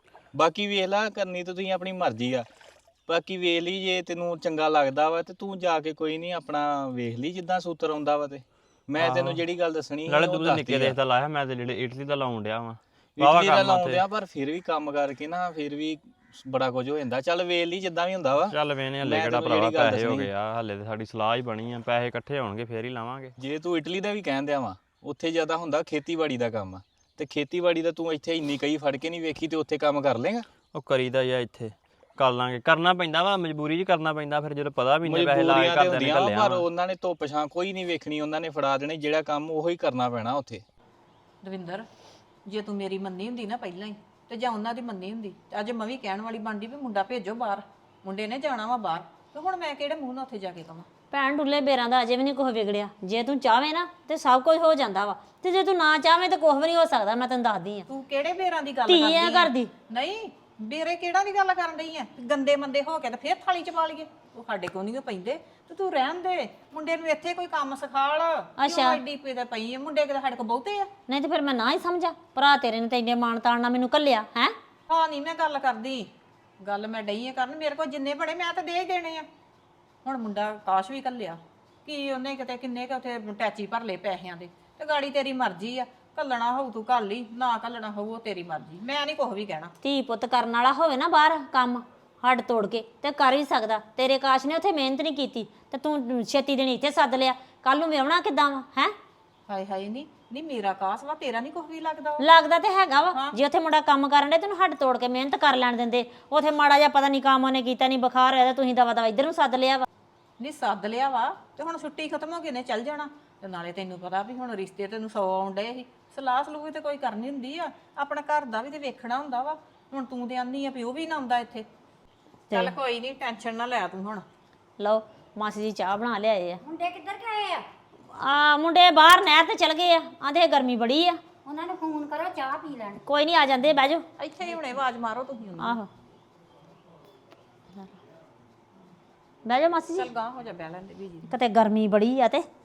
[SPEAKER 8] ਬਾਕੀ ਵੇਖ ਲਾ, ਕਰਨੀ ਤਾਂ ਤੁਸੀਂ ਆਪਣੀ ਮਰਜ਼ੀ ਆ। ਬਾਕੀ ਵੇਖ ਲਈ, ਜੇ ਤੈਨੂੰ ਚੰਗਾ ਲੱਗਦਾ ਵਾ ਤੇ ਤੂੰ ਜਾ ਕੇ ਕੋਈ ਨਹੀਂ ਆਪਣਾ ਵੇਖ ਲਈ ਜਿੱਦਾਂ ਸੂਤਰ ਆਉਂਦਾ ਵਾ। ਤੇ ਮੈਂ ਤੈਨੂੰ ਜਿਹੜੀ ਗੱਲ ਦੱਸਣੀ
[SPEAKER 3] ਨਾਲੇ ਤੂੰ ਨਿੱਕੇ ਦੇਸ਼ ਦਾ ਲਾਇਆ, ਮੈਂ ਤੇ ਜਿਹੜੇ ਇਟਲੀ ਦਾ ਲਾਉਣ ਡਿਆ ਵਾਂ।
[SPEAKER 8] ਇਟਲੀ ਦਾ ਲਾਉਣ ਡਿਆ, ਪਰ ਫਿਰ ਵੀ ਕੰਮ ਕਰਕੇ ਨਾ ਫਿਰ ਵੀ ਬੜਾ ਕੁਝ ਹੋ ਜਾਂਦਾ। ਚੱਲ ਵੇਖ ਲਈ ਜਿੱਦਾਂ ਵੀ ਹੁੰਦਾ ਵਾ।
[SPEAKER 3] ਚੱਲ ਵੇਨੇ ਹਲੇ ਕਿਹੜਾ ਭਰਾਵਾ ਪੈਸੇ ਹੋ ਗਏ ਆ, ਹਲੇ ਤੇ ਸਾਡੀ ਸਲਾਹ ਹੀ ਬਣੀ ਆ, ਪੈਸੇ ਇਕੱਠੇ ਹੋਣਗੇ ਫੇਰ ਹੀ ਲਾਵਾਂਗੇ।
[SPEAKER 8] ਜੇ ਤੂੰ ਇਟਲੀ ਦਾ ਵੀ ਕਹਿਣ ਦਿਆ ਵਾ, ਉੱਥੇ ਜ਼ਿਆਦਾ ਹੁੰਦਾ ਖੇਤੀਬਾੜੀ ਦਾ ਕੰਮ ਆ, ਤੇ ਖੇਤੀਬਾੜੀ ਦਾ ਤੂੰ ਇੱਥੇ ਇੰਨੀ ਕਈ ਫੜ ਕੇ ਨਹੀਂ ਵੇਖੀ ਤੇ ਉੱਥੇ ਕੰਮ ਕਰ ਲੇਗਾ।
[SPEAKER 3] ਉਹ ਕਰੀਦਾ ਜਾਂ ਇੱਥੇ ਕਰ ਲਾਂਗੇ, ਕਰਨਾ ਪੈਂਦਾ ਵਾ, ਮਜਬੂਰੀ 'ਚ ਕਰਨਾ ਪੈਂਦਾ। ਫਿਰ ਜਦੋਂ ਪਤਾ ਵੀ ਨਹੀਂ ਪੈਸੇ ਲਾ ਕੇ ਘਰਦਿਆਂ ਨੇ ਘੱਲਿਆ,
[SPEAKER 8] ਪਰ ਉਹਨਾਂ ਨੇ ਧੁੱਪ ਛਾਂ ਕੋਈ ਨਹੀਂ ਵੇਖਣੀ, ਉਹਨਾਂ ਨੇ ਫੜਾ ਦੇਣੇ ਜਿਹੜਾ ਕੰਮ ਉਹੀ ਕਰਨਾ ਪੈਣਾ ਉੱਥੇ।
[SPEAKER 7] ਦਵਿੰਦਰ, ਜੇ ਤੂੰ ਮੇਰੀ ਮੰਨੀ ਹੁੰਦੀ ਨਾ ਪਹਿਲਾਂ ਹੀ, ਤੇ ਜਾਂ ਉਹਨਾਂ ਦੀ ਮੰਨੀ ਹੁੰਦੀ, ਤੇ ਅੱਜ ਮੈਂ ਵੀ ਕਹਿਣ ਵਾਲੀ ਬਣਦੀ ਵੀ ਮੁੰਡਾ ਭੇਜੋ ਬਾਹਰ, ਮੁੰਡੇ ਨੇ ਜਾਣਾ ਵਾ ਬਾਹਰ। ਤੇ ਹੁਣ ਮੈਂ ਕਿਹੜੇ ਮੂੰਹ ਨਾਲ ਉੱਥੇ ਜਾ ਕੇ ਕਵਾਂ?
[SPEAKER 1] ਭੈਣ ਡੁੱਲੇ ਬੇਰਾਂ ਦਾ ਅਜੇ ਵੀ ਨਹੀਂ ਕੁਛ ਵਿਗੜਿਆ। ਜੇ ਤੂੰ ਚਾਹਵੇਂ ਨਾ ਤੇ ਸਭ ਕੁਝ ਹੋ ਜਾਂਦਾ ਵਾ, ਤੇ ਜੇ ਤੂੰ ਨਾ ਚਾਹਵੇਂ ਤੇ ਕੁਛ ਵੀ ਨਹੀਂ ਹੋ ਸਕਦਾ। ਮੈਂ ਤੈਨੂੰ ਦੱਸਦੀ ਆ,
[SPEAKER 7] ਤੂੰ ਕਿਹੜੇ ਬੇਰਾਂ ਦੀ ਗੱਲ
[SPEAKER 1] ਧੀ
[SPEAKER 7] ਕਰਦੀ
[SPEAKER 1] ਆ
[SPEAKER 7] ਆਂ?
[SPEAKER 1] ਘਰ ਦੀ।
[SPEAKER 7] ਨਹੀਂ ਬੇਰੇ ਕਿਹੜਾ ਦੀ ਗੱਲ ਕਰਨ ਡਈ ਆ? ਗੰਦੇ ਮੰਦੇ ਹੋ ਕੇ ਤੇ ਫੇਰ ਥਾਲੀ ਚ ਪਾ ਲਈਏ, ਉਹ ਸਾਡੇ ਕੋਲ ਨਹੀਂ ਪੈਂਦੇ। ਤੇ ਤੂੰ ਰਹਿਣ ਦੇ, ਮੁੰਡੇ ਨੂੰ ਇੱਥੇ ਕੋਈ ਕੰਮ ਸਿਖਾਲ।
[SPEAKER 1] ਅੱਛਾ
[SPEAKER 7] ਐਡੀ ਪਈ ਤੇ ਪਈ ਆ, ਮੁੰਡੇ ਕਿਤੇ ਸਾਡੇ ਕੋਲ ਬਹੁਤੇ ਆ।
[SPEAKER 1] ਨਹੀਂ ਤੇ ਫਿਰ ਮੈਂ ਨਾ ਹੀ ਸਮਝਾਂ? ਭਰਾ ਤੇਰੇ ਨੇ ਤਾਂ ਇੰਨੇ ਮਾਣ ਤਾਣ ਨਾਲ ਮੈਨੂੰ ਘੱਲਿਆ ਹੈ।
[SPEAKER 7] ਹਾਂ ਨਹੀਂ ਮੈਂ ਗੱਲ ਕਰਦੀ, ਗੱਲ ਮੈਂ ਡਈ ਆ ਕਰਨ। ਮੇਰੇ ਕੋਲ ਜਿੰਨੇ ਬੜੇ ਮੈਂ ਤਾਂ ਦੇ ਹੀ ਦੇਣੇ ਆ। ਹੁਣ ਮੁੰਡਾ ਕਾਸ਼ ਵੀ ਘੱਲਿਆ, ਕੀ ਉਹਨੇ ਕਿਤੇ ਕਿੰਨੇ ਕੁ ਉੱਥੇ ਟੈਚੀ ਭਰ ਲਏ ਪੈਸਿਆਂ ਦੇ। ਤੇ ਗਾੜੀ ਤੇਰੀ ਮਰਜ਼ੀ ਆ, ਘੱਲਣਾ ਹੋਊ ਤੂੰ ਘੱਲ ਲਈ, ਨਾ ਘੱਲਣਾ ਹੋਊ ਉਹ ਤੇਰੀ ਮਰਜ਼ੀ। ਮੈਂ ਨਹੀਂ ਕੁਛ ਵੀ ਕਹਿਣਾ।
[SPEAKER 1] ਧੀ ਪੁੱਤ ਕਰਨ ਵਾਲਾ ਹੋਵੇ ਨਾ ਬਾਹਰ ਕੰਮ ਹੱਡ ਤੋੜ ਕੇ ਤੇ ਕਰ ਵੀ ਸਕਦਾ। ਤੇਰੇ ਕਾਸ਼ ਨੇ ਉੱਥੇ ਮਿਹਨਤ ਨਹੀਂ ਕੀਤੀ ਤੇ ਤੂੰ ਛੇਤੀ ਦੇਣੀ ਇੱਥੇ ਸੱਦ ਲਿਆ, ਕੱਲ ਨੂੰ ਵਿਆਹਣਾ ਕਿੱਦਾਂ ਵਾ ਹੈ?
[SPEAKER 7] ਹਾਏ ਹਾਏ ਨਹੀਂ ਨਹੀਂ ਮੇਰਾ ਕਾਸ ਵਾ, ਤੇਰਾ ਨਹੀਂ ਕੁਛ ਵੀ ਲੱਗਦਾ?
[SPEAKER 1] ਲੱਗਦਾ ਤੇ ਹੈਗਾ ਵਾ। ਜੇ ਉੱਥੇ ਮੁੰਡਾ ਕੰਮ ਕਰਨ ਦੇ ਤੈਨੂੰ ਹੱਡ ਤੋੜ ਕੇ ਮਿਹਨਤ ਕਰ ਲੈਣ ਦਿੰਦੇ। ਉੱਥੇ ਮਾੜਾ ਜਿਹਾ ਪਤਾ ਨਹੀਂ ਕੰਮ ਉਹਨੇ ਕੀਤਾ ਨਹੀਂ, ਬੁਖਾਰ ਹੋਇਆ, ਤੁਸੀਂ ਦਵਾ ਦਵਾ ਇੱਧਰ ਨੂੰ ਸੱਦ ਲਿਆ ਵਾ।
[SPEAKER 7] ਨਹੀਂ ਸੱਦ ਲਿਆ ਵਾ, ਤੇ ਹੁਣ ਛੁੱਟੀ ਖਤਮ ਹੋ ਗਈ ਨੇ ਚੱਲ ਜਾਣਾ। ਤੇ ਨਾਲੇ ਤੈਨੂੰ ਪਤਾ ਵੀ ਹੁਣ ਰਿਸ਼ਤੇ ਤੈਨੂੰ ਸੌ ਆਉਣ ਡਏ ਸੀ, ਸਲਾਹ ਸਲੂਹ ਵੀ ਤੇ ਕੋਈ ਕਰਨੀ ਹੁੰਦੀ ਆ, ਆਪਣਾ ਘਰ ਦਾ ਵੀ ਤੇ ਵੇਖਣਾ ਹੁੰਦਾ ਵਾ। ਹੁਣ ਤੂੰ ਤੇ ਆਨੀ ਆ ਵੀ ਉਹ ਵੀ ਨਾ ਆਉਂਦਾ ਇੱਥੇ। ਚੱਲ ਕੋਈ ਨਹੀਂ, ਟੈਨਸ਼ਨ ਨਾ ਲੈ ਤੂੰ। ਹੁਣ
[SPEAKER 1] ਲਓ ਮਾਸੀ ਜੀ ਚਾਹ ਬਣਾ ਲਿਆਏ ਆ।
[SPEAKER 6] ਮੁੰਡੇ ਕਿੱਧਰ ਗਏ ਆ?
[SPEAKER 1] ਆ ਮੁੰਡੇ ਬਾਹਰ ਨਹਿਰ ਤੇ ਚਲ ਗਏ ਆ, ਆਂਦੇ ਗਰਮੀ ਬੜੀ ਆ।
[SPEAKER 6] ਉਹਨਾਂ ਨੂੰ ਫੋਨ ਕਰੋ, ਚਾਹ ਪੀ ਲੈਣ।
[SPEAKER 1] ਕੋਈ ਨਹੀਂ ਆ ਜਾਂਦੇ, ਬਹਿ ਜਾਓ।
[SPEAKER 7] ਇੱਥੇ ਹੀ ਹੁਣੇ ਆਵਾਜ਼ ਮਾਰੋ ਤੁਸੀਂ ਉਹਨੂੰ।
[SPEAKER 1] ਆਹੋ ਬਹਿ ਜਾਓ ਮਾਸੀ ਜੀ,
[SPEAKER 7] ਚੱਲ ਗਾਂ ਹੋ ਜਾ, ਬਹਿ ਲੈਂਦੇ ਬੀਜੀ।
[SPEAKER 1] ਕਿਤੇ ਗਰਮੀ ਬੜੀ ਆ ਤੇ